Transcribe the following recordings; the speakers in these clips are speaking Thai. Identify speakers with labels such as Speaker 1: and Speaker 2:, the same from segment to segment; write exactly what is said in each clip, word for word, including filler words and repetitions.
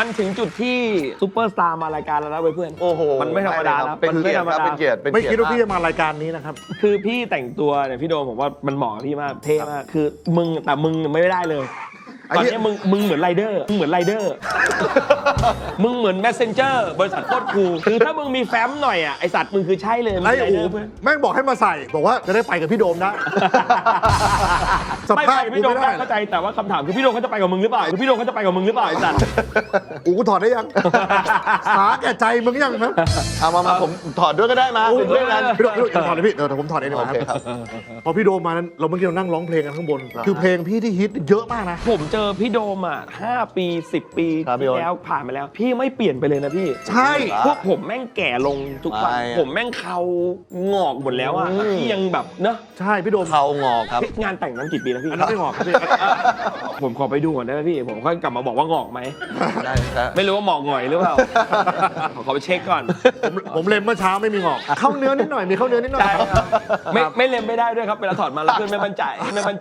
Speaker 1: มันถึงจุดที่ซูเปอร์สตาร์มารายการแล้วนะเพื่อน
Speaker 2: โอ้โห
Speaker 1: มันไม่ธรรมดาแล้ว
Speaker 2: เป็น
Speaker 1: มัน
Speaker 2: เกี
Speaker 1: ไม่
Speaker 2: ยร
Speaker 1: ธร
Speaker 2: ติ
Speaker 1: รม
Speaker 2: ครับ
Speaker 1: ดา
Speaker 2: เป็นเกียรติเป็น
Speaker 3: ไม่
Speaker 2: เกียร
Speaker 3: คิด
Speaker 2: ติ
Speaker 3: ว่าพี่จะมารายการนี้นะครับ
Speaker 1: คือพี่แต่งตัวเนี่ยพี่โดมผมว่ามันเหมาะกับพี่มากเท่มากคือมึงแต่มึงไม่ได้เลยตอนนี้มึงมึงเหมือนไรเดอร์มึงเหมือนไรเดอร์มึงเหมือนแมสเซนเจอร์บริษัทโคตรคูลคือถ้ามึงมีแฟ้มหน่อยอ่ะไอสัตว์มึงคือใช่เลย
Speaker 3: ไอ้
Speaker 1: ไร
Speaker 3: อู
Speaker 1: เดอร์เพื่อน
Speaker 3: แม่งบอกให้มาใส่บอกว่าจะได้ไปกับพี่โดมนะส
Speaker 1: ไม่
Speaker 3: ภา
Speaker 1: ไป
Speaker 3: พ
Speaker 1: พี่โดม
Speaker 3: ไม่ได้
Speaker 1: เข้าใจแต่ว่าคำถามคือพี่โดมเขาจะไปกับมึงหรือเปล่าคือพี่โดมเขาจะไปกับมึงหรือเปล่าไอสัตว์
Speaker 3: อูกูถอดได้ยังสาแก่ใจมึงยังนะ
Speaker 2: เอามามาผมถอดด้วยก็ได้มาเป็นเพื่อนกัน
Speaker 3: พี่โดมพี่โดมอย่าถอดเลยพี่เดี๋ยวผมถอดเองดีก
Speaker 2: โอ
Speaker 3: ว่าค
Speaker 2: เครับ ครับ
Speaker 3: พอพี่โดมมานั้นเราเมื่อกี้เรานั่งร้องเพลงกันข้างบน คือเพลงพี่ที่ฮิตเยอะมากนะ
Speaker 1: ผมเจอพี่โดมอ่ะห้าปีสิบปี
Speaker 2: ครับพี่
Speaker 1: ที่
Speaker 2: โอ๊ต
Speaker 1: แล้วผ่านมาแล้ว พี่ไม่เปลี่ยนไปเลยนะพี่
Speaker 3: ใช่
Speaker 1: พวกผมแม่งแก่ลงทุกวัน
Speaker 2: ไม่อะ
Speaker 1: ผมแม่งเขางอกหมดแล้วอ่ะพี่ยังแบบเนอะ
Speaker 3: ใช่พี่โดม
Speaker 2: เขางอกครับ
Speaker 1: งานแต่งนั้นกี่ปีแล้วพี่
Speaker 3: อันนั้นไม่งอกครับพี่
Speaker 1: ผมขอไปดูก่อนได้ไหมพี่ผมค่อยกลับมาบอกว่างอกไหม
Speaker 2: ได้ครับ
Speaker 1: ไม่รู้ว่าหมอกหง่อยหรือเปล่า ขอขอไปเช็คก่อน
Speaker 3: ผมผมเล็มเมื่อเช้าไม่มีงอก เข้าเนื้อนิดหน่อยมีเข้าเนื้อนิดหน่อย
Speaker 1: ใช่ครับไม่ไม่เล็มไม่ได้ด้วยครับเวลาถอดมาแล้วเพื่อนไม่มั่นใจไม่มั่นใจ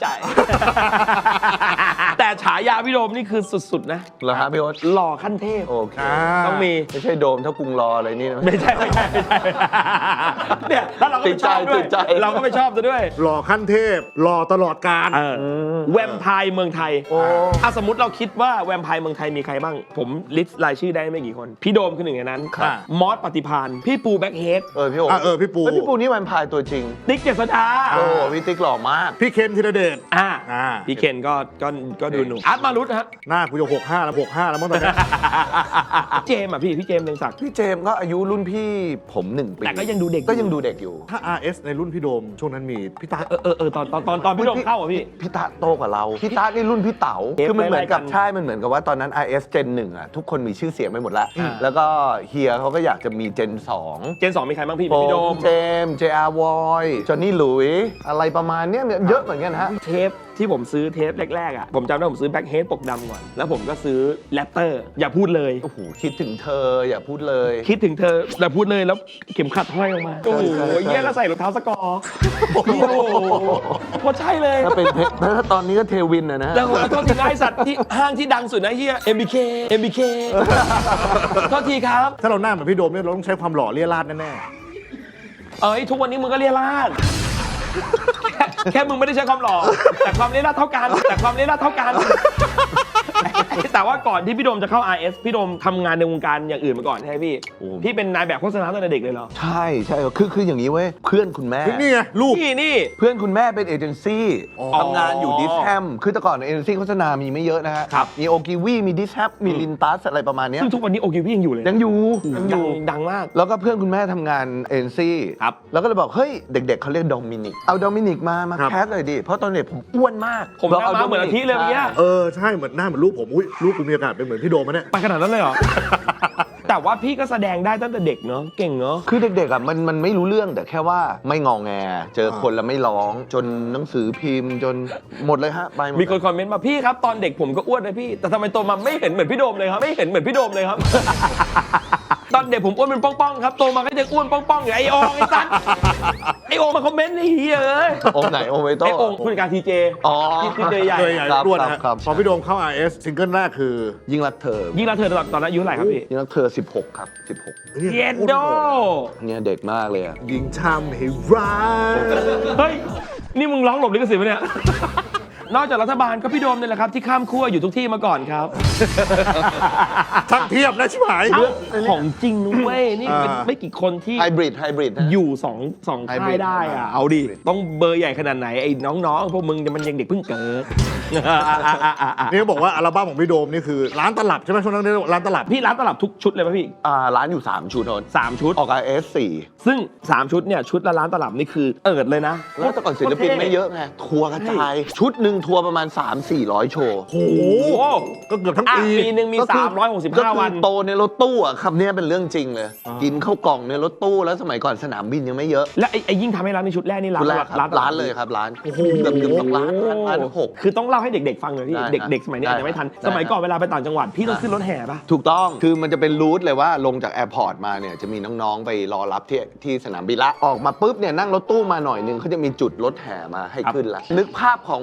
Speaker 1: แต่ฉายาพี่โดมนี่คือสุดๆนะ
Speaker 2: เหรอครับพี่โอ๊ต
Speaker 1: หล่อขั้นเทพ
Speaker 2: โอเค
Speaker 3: อ่า
Speaker 1: ต้องมี
Speaker 2: ไม่ใช่โดมเท่ากรุงรออะไรนี่นะ
Speaker 1: ไม่ใช่ไม่ใช่ไม่ใช่เนี่ยแล้วเราก็ไม่ชอบด้วย
Speaker 2: ติดใจ
Speaker 1: เราก็ไม่ชอบซะด้วย
Speaker 3: หล่อขั้นเทพหล่อตลอดกาล
Speaker 1: เออแวมไพร์เมืองไทย
Speaker 2: โอ้
Speaker 1: ถ้าสมมติเราคิดว่าแวมไพร์เมืองไทยมีใครบ้าง ผมลิสต์รายชื่อได้ไม่กี่คน พี่โดมคือหนึ่งในนั้น
Speaker 3: ครับ
Speaker 1: มอสปฏิพานพี่ปูแบ็คเฮด
Speaker 2: เออพี่โอ๊ต
Speaker 3: อ่ะเออพี่ปู
Speaker 2: เฮ้ยพี่ปูนี่แวมไพร์ตัวจริง
Speaker 1: ติ๊กเจษฎา
Speaker 2: โอ้พี่ติ๊กหล่อมาก
Speaker 3: พี่เคนธีรเดช
Speaker 1: อ่า
Speaker 3: อ่า
Speaker 1: พี่เคนก็ก็ก็ดูหนุ่มอาร์ตมารุตฮะ
Speaker 3: หน้ากูจะหกห้าแล้วหกห้าแล้วมั้งตอนนี้
Speaker 1: เจมส์อ่ะพี่พี่เจมส์เรืองศักดิ์
Speaker 2: พี่เจมส์ก็อายุรุ่นพี่ผมหนึ่งปี
Speaker 1: แต่ก็ยังดูเด็ก
Speaker 2: ก็ยังดูเด็กอยู่
Speaker 3: ถ้า อาร์ เอส ในรุ่นพี่โดม ช่วงนั้นมีพี่ตา
Speaker 1: เออเออเออตอนตอนตอนตอนพี่โดมเข้าอ่ะพี่
Speaker 2: พี่ตาโตกว่าเรา พี่ตานี่รุ่นพี่เต๋า
Speaker 1: เอฟ
Speaker 2: คือมันเหมือนกับ
Speaker 1: ไล่ๆกัน
Speaker 2: ใช่ มันเหมือนกับว่าตอนนั้น ไอ เอส Gen หนึ่งอ่ะทุกคนมีชื่อเสียงไปหมดแล้ว
Speaker 1: อ่า
Speaker 2: แล้วก็เฮียเขาก็อยากจะมี Gen สอง
Speaker 1: เจนสองมีใครบ้างพี่
Speaker 2: โฟ
Speaker 1: พี่โด
Speaker 2: ม
Speaker 1: ม
Speaker 2: เจมส์ เจ อาร์ วอยจอห์นนี่หลุยอะไรประมาณเนี้ยเยอะเหมือนกันฮะ
Speaker 1: เทปที่ผมซื้อเทปแรกๆอ่ะผมจำได้ผมซื้อแบ็คเฮดปกดำก่อนแล้วผมก็ซื้อแรปเตอร์อย่าพูดเลย
Speaker 2: โอ้โห คิดถึงเธออย่าพูดเลย
Speaker 1: คิดถึงเธอแต่พูดเลยแล้วเข็มขัดห้อยลงมาโอ้โหเยี่ยแล้วใส่รองเท้าสกอร์โอ้โหโคตรใช่เลย
Speaker 2: ถ้าเป็นเทถ้าตอนนี้ก็เทวินอะนะ
Speaker 1: แล้วผมขอโทษทีนะไอสัตว์ที่ห้างที่ดังสุดนะเฮีย เอ็ม บี เค เอ็ม บี เค โทษทีครับ
Speaker 3: ถ้าเราหน้าเหมือนพี่โดมเนี่ยเราต้องใช้ความหล่อเลี่ยราดแน่
Speaker 1: เอ้ยทุกวันนี้มึงก็เรียราดแค่แค่มึงไม่ได้ใช้ความหล่อแต่ความเรียราดเท่ากันแต่ความเรียราดเท่ากัน แต่ว่าก่อนที่พี่โดมจะเข้า อาร์ เอส พี่โดมทำงานในวงการอย่างอื่นมาก่อนใช่ไหมพี่
Speaker 2: โอ้
Speaker 1: พี่เป็นนายแบบโฆษณาตั้งแต่เด็กเลยเหรอ
Speaker 2: ใช่ใช่คือคืออย่างนี้เว้ย เพื่อนคุณแม่
Speaker 3: ๆนี่ไงลูก
Speaker 1: พี่นี่
Speaker 2: เพื่อนคุณแม่เป็นเอเจนซี่
Speaker 3: อ๋อ
Speaker 2: ทำงานอยู่ดิสแฮมคือแต่ก่อนเอเจนซี่โฆษณามีไม่เยอะนะฮะ
Speaker 1: ครับ
Speaker 2: มีโอกิวีมีดิสแฮมมีลินตัสอะไรประมาณเนี้ย
Speaker 1: ซึ่งทุกวันนี้โอเคพี่ยังอยู่เลย
Speaker 2: ยังอยู่ยังอ
Speaker 1: ดัง
Speaker 2: ยู่
Speaker 1: ดังมาก
Speaker 2: แล้วก็เพื่อนคุณแม่ทำงานเอเจนซี่
Speaker 1: ครับ
Speaker 2: แล้วก็เลยบอก เฮ้ย เด็กๆเขาเรียกโดมินิก เอาโดมินิกมา มา
Speaker 3: ครับ
Speaker 2: แคสเลยดิ เพราะตอนเด็กผมอ้วนมาก
Speaker 1: ผมหน้าม้าเหมือนอาทิตย์เลยเมื่อกี้
Speaker 3: เออใช่เหมือนหน้าเหมือนลูกผมอุ้ยลูกกูมีโอกาสเป็นเหมือนพี่โดมมะเนี่ย
Speaker 1: ไปขนาดนั้นเลยเหรอ แต่ว่าพี่ก็แสดงได้ตั้งแต่เด็กเนาะเก่งเนาะ
Speaker 2: คือเด็กๆอ่ะมันมันไม่รู้เรื่องแต่แค่ว่าไม่งอแง เจอคนแล้วไม่ร้อง จนหนังสือพิมพ์จนหมดเลยฮะไปหมด
Speaker 1: มีคนคอมเมนต์มาพี่ครับตอนเด็กผมก็อ้วนนะพี่แต่ทำไมโตมาไม่เห็นเหมือนพี่โดมเลยครับไม่เห็นเหมือนพี่โดมเลยครับ ตอนเด็กผมอ้วนเป็นป้องๆครับโตมาก็ยังอ้วนป้องๆอย่างไอโองไอ้สัสไอโองมาคอมเมนต์ไอ้เหี้ยเอ้ย
Speaker 2: โอมไหนโอมไวโต้
Speaker 1: ไอโองผู้จัดการทีเจ
Speaker 2: อ๋อ
Speaker 1: ที่ที่เจใหญ่
Speaker 3: เคยใหญ่
Speaker 2: ครับ
Speaker 3: รวดนะ
Speaker 2: ครั
Speaker 3: ฮะ
Speaker 2: บครับ
Speaker 3: พอพี่โดมเข้า อาร์ เอส ซิงเกิลแรกคือ
Speaker 2: ยิ่งรักเธอ
Speaker 1: ยิ่งรักเธอตอนตอนนั้นอายุเท่าไหร่ครับพี่
Speaker 2: ยิ่งรักเธอสิบหกครับสิบหก
Speaker 1: เย็นโด
Speaker 2: เนี่ยเด็กมากเลยอ่ะ
Speaker 3: ยิงทำให้ร้าย
Speaker 1: เฮ้ยนี่มึงร้องหลบลิขสิทธิ์ปะเนี่ย นอกจากรัฐบาลก็พี่โดมเนี่ยแหละครับที่ข้ามขั้วอยู่ทุกที่มาก่อนครับ
Speaker 3: ช่างเทียบนะชิบหาย
Speaker 1: เอ้าของจริงนุ้เว้ยนี่เป็น
Speaker 3: อ่า
Speaker 1: ไม่กี่คนที่
Speaker 2: ไฮบริดไฮบริดนะ
Speaker 1: อยู่สองสอง
Speaker 2: ไฮ
Speaker 1: ค่า
Speaker 2: บริ
Speaker 1: ย
Speaker 2: ด
Speaker 1: ได้อะ
Speaker 2: ไฮบริด
Speaker 1: เอาดิต้องเบอร์ใหญ่ขนาดไหนไอ้น้องๆพวกมึงมันยังเด็กเพิ่งเกิด
Speaker 3: นี่เขาบอกว่าอัลบั้มของพี่โดมนี่คือร้านตลับใช่ไหมช่วงนั้นเรียกว่าร้านตลับ
Speaker 1: พี่ร้านตลับทุกชุดเลยป่ะพี่
Speaker 2: อ่าร้านอยู่สามชุดโทน
Speaker 1: สามชุด
Speaker 2: ออก อาร์ เอส สี่
Speaker 1: ซึ่งสามชุดเนี่ยชุดละร้านตลับนี่คือเอิดเลยนะ
Speaker 2: แล้วแต่ก่อนศิลปินไม่เยอะไงทัวร์กระจาย ชุดหนึ่งทัวร์ประมาณ สามสี่ร้อย โชว์
Speaker 3: โอ้โหก็เกือบทั้ง
Speaker 1: อ่ะ
Speaker 3: ปี
Speaker 1: ปีหนึ่งมี
Speaker 2: ก็คือ
Speaker 1: สามร้อยหกสิบ
Speaker 2: ก็
Speaker 1: ห้า
Speaker 2: คือ
Speaker 1: วัน
Speaker 2: โตในรถตู้อ่ะคำนี้เป็นเรื่องจริงเลย
Speaker 3: อ่ากิ
Speaker 2: กินข้าวกล่องในรถตู้แล้วสมัยก่อนสนามบินยังไม่เยอะ
Speaker 1: และไอ้ไอ้ยิ่งทำให้ร้านในชุดแรกนี่ร้าน
Speaker 2: ชุดแรกครับ
Speaker 1: ตบ
Speaker 2: ร้านเลยครับร้าน
Speaker 3: โอ้โห
Speaker 2: เกือบเกือบสองล้านร้านล้านหก
Speaker 1: คือต้องเล่าให้เด็กๆฟังหน่อยพี่
Speaker 2: ได้
Speaker 1: เด็ก
Speaker 2: ครับ
Speaker 1: เด็กสมัยนี้อาจจะไม่ทัน
Speaker 2: ได้
Speaker 1: สมัยก่อน
Speaker 2: ได้
Speaker 1: เวลาไปต่างจังหวัดพี่ต้องขึ้นรถแห่ป่ะ
Speaker 2: ถูกต้องคือมันจะเป็นรูทเลยว่าลงจากแอร์พอร์ตมาเนี่ยจะมีน้องๆไปรอรับที่ที่สนามบินละออกมาปุ๊บเนี่ยนั่งรถตู้มาหน่อยนึงเขาจะมีจุดรถแห่มาให้ขึ้นละนึกภาพของคน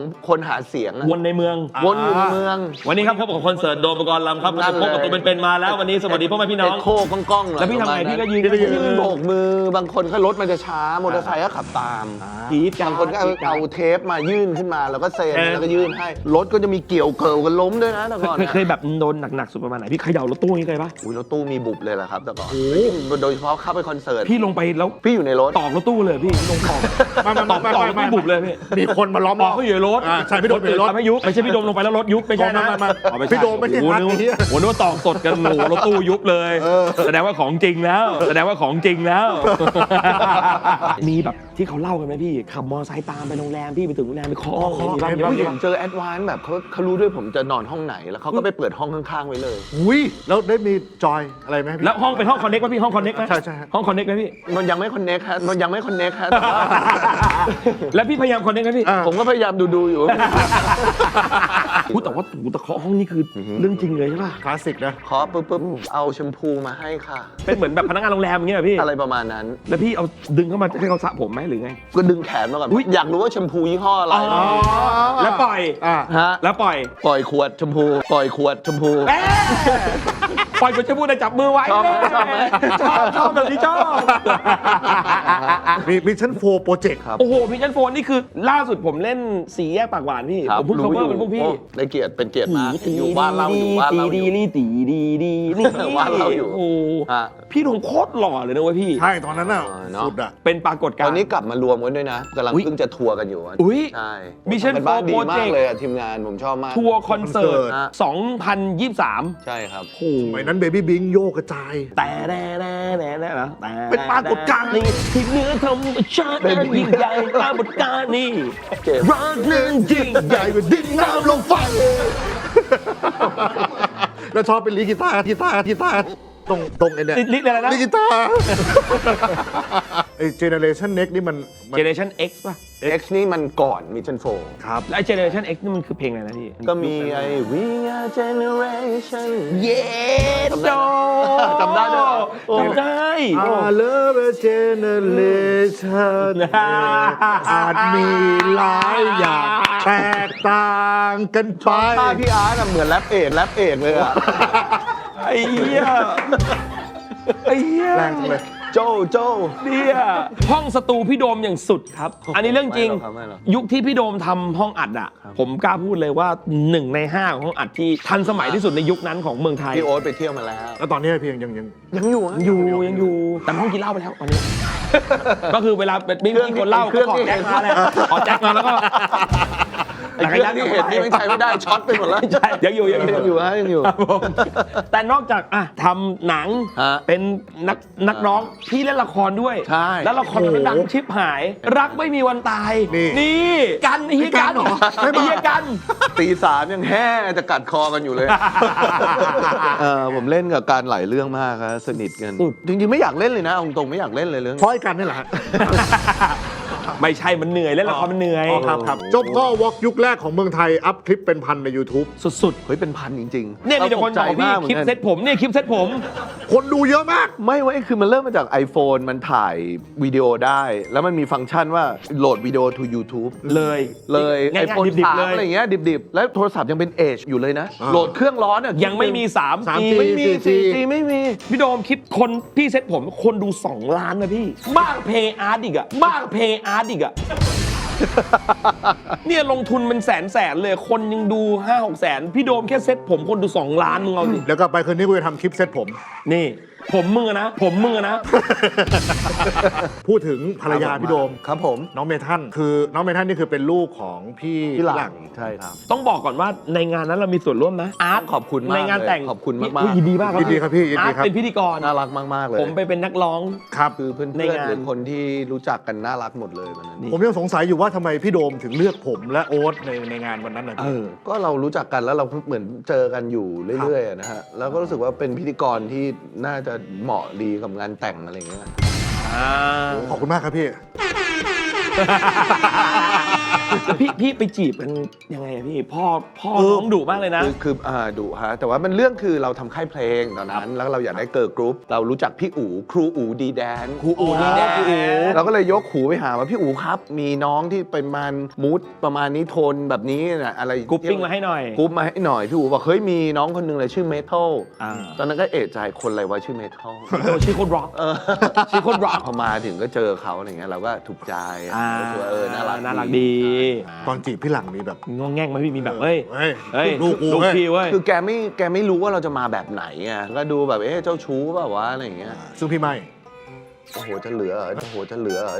Speaker 2: หาเสียงอะ
Speaker 1: วนในเมือง
Speaker 2: วนอยู่ในเมือง
Speaker 1: วันนี้ครับพบกับคอนเสิร์ตโดมปกรณ์ลำครับ
Speaker 2: นั่นเลย
Speaker 1: พบกับตัวเป็นๆมาแล้ววันนี้สวัสดีพ่อแม่พี่น้อง
Speaker 2: เอ็กโคก้องๆหน่อย
Speaker 1: แล้วพี่ทำไง
Speaker 2: ประมาณ
Speaker 1: พี่ก็ยืน
Speaker 2: ยืนโบกมือบางคนก็รถมันจะช้ามอเตอร์ไซค์ก็ขับตาม
Speaker 1: กรี๊ดกัน
Speaker 2: บางคนก็เอา
Speaker 1: รี๊ดกั
Speaker 2: เอาเทปมายื่นขึ้นมาแล้วก็เซ็น
Speaker 1: เออ
Speaker 2: แล้วก็ยื่นให้รถก็จะมีเกี่ยวเกิลกันล้มด้วยนะแต่ก่อน
Speaker 1: เคย
Speaker 2: นะ
Speaker 1: เคยแบบโดนหนักๆสุดประมาณไหนพี่เขย่ารถตู้นี่เคยปะ
Speaker 2: อุ้ยรถตู้มีบุบเลยแหละครับแต่ก่อนโดยเฉพาะเข้าไปคอนเสิร์ต
Speaker 1: พี่ลงไปแล้ว
Speaker 2: พี่อยู่ในรถ
Speaker 1: ตอกรถตู้เลยพี่ลงตอก
Speaker 3: ไม่ไม่
Speaker 1: ตอก
Speaker 3: ไม่
Speaker 1: ตอก
Speaker 3: ไม่
Speaker 1: รถ
Speaker 3: ไม่
Speaker 1: ตู้บุบเลยพี่
Speaker 3: มีคนมาล้อม
Speaker 1: ตอกเขาอยู่ในรถ
Speaker 3: อ่าใช่พี่โดมอยู่ในรถ
Speaker 1: ทำให้ยุบไม่ใช่พี่โดมลงไปแล้วรถยุบไม่ใช่นะ
Speaker 3: ไม่ไม่ไม่
Speaker 1: อ๋อใช่
Speaker 3: พี่โดมไม่ใช่
Speaker 1: โอ้โห
Speaker 3: ฮัท
Speaker 1: นึก
Speaker 3: ไอ้เหี้ย
Speaker 1: โอ้โหนึกว่าตอกสดกันโอ้โหรถตู้ยุบเลย
Speaker 3: เออ
Speaker 1: แสดงว่าของจริงแล้ว แสดงว่าของจริงแล้ว มีแบบที่เขาเล่ากันไหมพี่ขับมอเตอร์ไซค์ตามไปโรงแรมพี่ไปถึงโรงแรมไปเคาะห้องมีบ้างมีบ้าง
Speaker 2: ผู้ห
Speaker 1: มี
Speaker 2: ญิ
Speaker 1: บ้าง
Speaker 2: งเจอแอดวานซ์แบบเขาเขารู้ด้วยผมจะนอนห้องไหนแล้วเขาก็ไปเปิดห้องข้างๆไว้เลย
Speaker 3: อุ้ยแล้วได้มีจอยอะไรไหมพี่
Speaker 1: แล้วห้องเป็นห้องคอนเน็กไหมพี่ห้องคอนเน็กไหม
Speaker 3: ใช่ใช่ฮะ
Speaker 1: ห้องคอนเน็กไหมพี่
Speaker 2: มันยังไม่คอนเน็กฮะมันยังไม่คอนเน็กฮะแต่ว่า
Speaker 1: แล้วพี่พยายามคอนเน็กไหมพี่
Speaker 3: อ่า
Speaker 2: ผมก็พยายามดูดูๆอยู่
Speaker 1: พูดแต่ว่าถูตะเคาะห้องนี่คือเรื่องจริงเลยใช่ป่ะ
Speaker 3: คลาสสิกนะ
Speaker 2: ขอปุ๊บปุ๊บเอาแชมพูมาให้ค่ะ
Speaker 1: เป็นเหมือนแบบพนักงานโรงแรมอย่างเงี้ยเหรอพี่
Speaker 2: อะไรประมาณนั้น
Speaker 1: แล้วพี่เอาดึงเข้ามาให้เขาสระผมไหมหรือไง
Speaker 2: ก็ดึงแขนมาก่อน
Speaker 1: อุ๊ย
Speaker 2: อยากรู้ว่าแชมพูยี่ห้ออะไร
Speaker 1: แล้วปล่อย
Speaker 3: อ่า
Speaker 2: ฮะ
Speaker 1: แล้วปล่อย
Speaker 2: ปล่อยขวดแชมพูปล่อยขวดแชมพู
Speaker 1: เอ๊ะปล่อยก็จะพูดแต่จับมือไว้
Speaker 2: ชอบไหมชอบไหม
Speaker 1: ชอบชอบแบบนี้ชอบ
Speaker 3: มีมิชชั่นโฟร์โปรเจกต์
Speaker 2: ครับ
Speaker 1: โอ้โหพี่ชันโฟนนี่คือล่าสุดผมเล่นสีแยกปากหวานพี่
Speaker 2: ครับ
Speaker 1: ผมเพิ่ง cover เป็นพวกพี่
Speaker 2: โอ้ได้เกียรติเป็นเกียรติมากอยู่บ้านเราอยู่บ้านเราอยู่
Speaker 1: ดีดีดีดีดีนี่
Speaker 2: บ้านเราอยู่
Speaker 1: โอ้โห
Speaker 2: ฮะ
Speaker 1: พี่หงโคตรหล่อเลยนะเว้ยพี่
Speaker 3: ใช่ตอนนั้นน่ะ
Speaker 2: เออเนอะ
Speaker 3: สุดอ่ะ
Speaker 1: เป็นปรากฏการ
Speaker 2: ตอ
Speaker 1: ณ์
Speaker 2: นนี้กลับมารวมกันด้วยนะกำลัง
Speaker 1: อุ๊ย
Speaker 2: เพิ่งจะทัวร์กันอยู่อะ
Speaker 1: อุ๊ย
Speaker 2: ใช่
Speaker 1: Mission
Speaker 2: ทำกันบ้าน
Speaker 1: for
Speaker 2: ดีมาก
Speaker 1: Project
Speaker 2: เลยอะทีมงานผมชอบมาก
Speaker 1: ทัวร์คอนเสิร์ต
Speaker 3: คอนเสิร์ต
Speaker 1: สองพันยี่สิบสาม
Speaker 2: ใช่ครับ
Speaker 1: โอ้โห
Speaker 3: สมัยนั้นเบบี้บิงโยกกระจาย
Speaker 1: แต่แน่แน่แน่แน่เหรอแต่
Speaker 3: เป็นปรากฏการณ์
Speaker 1: นี่ที่เหนื้อธรรมชาตินั้นยิ่งใหญ่ปรากฏการณ์นี่
Speaker 2: เจ็บ
Speaker 1: รักนั้นยิ่งใหญ่
Speaker 3: ใหญ่กว่าดิ้นน้ำลงไฟแล้วชอบเป็นลีกีตาร์กีตาร์กีตาร์ตรงตรงไอ้เนี่ย
Speaker 1: ลิลิอะไรนะ
Speaker 3: ลีกีตาร์ไอ้เจเนเรชันเน็กนี่มันมัน
Speaker 1: Generation X ป่ะ
Speaker 2: X นี่มันก่อนมิชชั่นโฟ
Speaker 3: ครับ
Speaker 1: แล้วไอ้ Generation X นี่มันคือเพลงอะไรนะพี่
Speaker 2: ก็มีไอ้ We Are Generation
Speaker 1: เย้
Speaker 2: จำได้จำได้ด้วยเหรอ
Speaker 1: จำได้
Speaker 3: I love a generation อาจมีหลายอย่างแตกต่างกันไป
Speaker 2: ถ้าพี่อาร์ตอะเหมือนแรปเอดแรปเอดเลยอะ
Speaker 1: ไอ้เหี้ยไอ้เหี้ย
Speaker 3: แรงจังเลย
Speaker 2: โจโจ
Speaker 1: เนี่ยห้องสตูพี่โดมอย่างสุดครับ อันนี้เรื่องจริง
Speaker 2: ไม่หรอกครับไม่หรอก
Speaker 1: ยุคที่พี่โดมทำห้องอัดอ่ะ ผมกล้าพูดเลยว่าหนึ่งในห้าของห้องอัดที่ทันสมัยที่สุดในยุคนั้นของเมืองไทย
Speaker 2: พี่โอ๊ตไปเที่ยวมาแล้ว
Speaker 3: แล้วตอนนี้เพียงยังยัง
Speaker 2: ยังอยู่อะ
Speaker 1: อยู่ยังอยู่แต่ห้องกินเหล้าไปแล้วตอนนี้ ก็คือเวลาไม่มีคนเหล้าก็ขอแจ็คมาแหละขอแจ็คมาแล้วก็
Speaker 2: ไอ้เครื่องที่เห็นนี่ไม่ใช้ไม่ได้ช็อตไปหมดแล้ว
Speaker 1: ใช่ยังอยู่ยังอยู่
Speaker 2: ยังอยู่ฮะยังอยู่
Speaker 1: ครับผมแต่นอกจากอ่ะทำหนัง
Speaker 2: ฮะ
Speaker 1: เป็นนักนักร้องพี่เล่นละครด้วย
Speaker 2: ใช่
Speaker 1: แล้วละครมันดังชิบหาย รักไม่มีวันตาย
Speaker 3: นี่
Speaker 1: นี่กันไอ้เฮียกัน
Speaker 3: เหรอ
Speaker 1: ไอ้เฮียกัน
Speaker 2: ตีสามยังแห้จะกัดคอกันอยู่เลย เออผมเล่นกับการหลายเรื่องมากครับสนิทกัน
Speaker 1: สุด
Speaker 2: จริงๆไม่อยากเล่นเลยนะเอาตรงๆไม่อยากเล่นเลยเรื่อง
Speaker 3: เพราะไอ้กันนี่แหละฮะ
Speaker 1: ไม่ใช่มันเหนื่อยเล่นละครมันเหนื่อย
Speaker 3: อ๋อครับครับจบก็วอล์กยุคแรกของเมืองไทย อัพคลิปเป็นพันใน YouTube
Speaker 1: สุด
Speaker 2: เฮ้ยเป็นพันจริงๆ
Speaker 1: ๆเนี่ยมีแต่คนบอกพี่
Speaker 2: ราตกใจมากหมื
Speaker 1: คลิป
Speaker 2: อนกัน
Speaker 1: เซ็ตผมเนี่ยคลิปเซ็ตผม
Speaker 3: คนดูเยอะมาก
Speaker 2: ไม่เว้ยคือมันเริ่มมาจาก iPhone มันถ่ายวิดีโอได้ แล้วมันมีฟังก์ชันว่าโหลดวิดีโอ to YouTube
Speaker 1: เลย
Speaker 2: เลย
Speaker 1: ง่าย
Speaker 2: iPhone
Speaker 1: ๆดิบ
Speaker 2: สา
Speaker 1: ๆเล
Speaker 2: ม
Speaker 1: ย
Speaker 2: อะไรอย่างเงี้ยดิบๆ แล้วโทรศัพท์ยังเป็น Edge อยู่เลยนะ
Speaker 3: อ่า
Speaker 2: โหลดเครื่องร้อนอ่ะ
Speaker 1: ยังไม่มี
Speaker 3: สาม
Speaker 1: 3G
Speaker 3: จี
Speaker 2: ไม่มี
Speaker 3: สี่จี
Speaker 2: สี่จีไม่มี
Speaker 1: พี่โดมคลิปคนพี่เซ็ตผมคนดูสองล้านนะพี่ มากเพย์อาร์ตอีกอะมากเพย์อาร์ตอีกอะ เนี่ยลงทุนเป็นแสนแสนเลยคนยังดูห้าหกแสนพี่โดมแค่เซ็ตผมคนดูสองล้านมึงเอาสิ
Speaker 3: เดี๋ยวกลับไปคืนนี้กูจะทำคลิปเซตผม
Speaker 1: นี่ ผมมือนะ ผมมือนะ
Speaker 3: พูดถึงภรรยาพี่โดม
Speaker 2: ครับผม
Speaker 3: น้องเมทันคือน้องเมทันนี่คือเป็นลูกของพี่
Speaker 2: พี่หลังใช่ครับ
Speaker 1: ต้องบอกก่อนว่าในงานนั้นเรามีส่วนร่วมนะอาร์ต
Speaker 2: ขอบคุณมาก
Speaker 1: ในงานแต่ง
Speaker 2: เลยขอบคุณมากๆ
Speaker 1: อุ๊ยยินดีมากครับ
Speaker 3: ยินดีครับพี่ยิน
Speaker 1: อา
Speaker 3: ดี
Speaker 1: ร์ต
Speaker 3: ครับ
Speaker 1: เป็นพิธีกร
Speaker 2: น่ารักมากๆเลย
Speaker 1: ผมไปเป็นนักร้อง
Speaker 3: ครับ
Speaker 2: คือเพื่อน
Speaker 1: ใน
Speaker 2: ๆ
Speaker 1: งาน
Speaker 2: หรือคนที่รู้จักกันน่ารักหมดเลยวันนั้น
Speaker 1: นี่
Speaker 3: ผมยังสงสัยอยู่ว่าทำไมพี่โดมถึงเลือกผมและโอ๊ตในในงานวันนั้นนะ
Speaker 1: เออ
Speaker 2: ก็เรารู้จักกันแล้วเราเหมือนเจอกันอยู่เรื่อยๆอะนะฮะแล้วก็รู้สึกว่าเป็นพิธีกรที่น่าจะเหมาะดีกับงานแต่งอะไรอย่างเงี้ย
Speaker 1: อ่า
Speaker 3: ขอบคุณมากครับพี่
Speaker 1: แล้วพี่พี่ไปจีบกันยังไงอะพี่พ่อพ่อน้องดุมากเลยนะ
Speaker 2: คือคืออ่าดุฮะแต่ว่ามันเรื่องคือเราทำค่ายเพลงตอนนั้น แล้วเราอยากได้เกิร์ลกรุ๊ปเรารู้จักพี่อู๋ครูอู๋ดีแดน
Speaker 1: ครูอู๋ดีแดน
Speaker 2: เราก็เลยยกหูไปหาว่าพี่อู๋ครับ มีน้องที่เป็นมันมูดประมาณนี้โทนแบบนี้นะอะไร
Speaker 1: กรุ๊ปปิ้งมาให้หน่อย
Speaker 2: กรุ๊ปมาให้หน่อยพี่อู๋บอกเฮ้ยมีน้องคนหนึงเลยชื่อเมทัล
Speaker 1: อ่า
Speaker 2: ตอนนั้นก็เอะใจคนอะไรวะชื่อเมทัล
Speaker 1: โอ้ชื่อโคตรร็อกชื่อโคตรร็อก
Speaker 2: พอมาถึงก็เจอเขาอะไรเงี้ยเราก็ถูกใจ
Speaker 1: อ่า
Speaker 2: รู้สึกว่าเออน่ารัก
Speaker 1: น่ารักดี
Speaker 3: ตอนจีบพี่หลังมีแบบ
Speaker 1: งงแง่งไหมพี่มีแบบเฮ้ย
Speaker 3: เฮ้ย
Speaker 1: เฮ้ย
Speaker 3: ลูกกู
Speaker 1: ลูก
Speaker 3: เว้ย
Speaker 1: พี่เว้ย
Speaker 2: คือแกไม่แกไม่รู้ว่าเราจะมาแบบไหนไงก็ดูแบบเอ๊ะเจ้าชู้เปล่าวะอะไรอย่างเงี้ย
Speaker 3: ซึ่งพี่ไม่
Speaker 2: โอ้โหจะเหลือเหรอโอ้โหจะเหลือเหรอ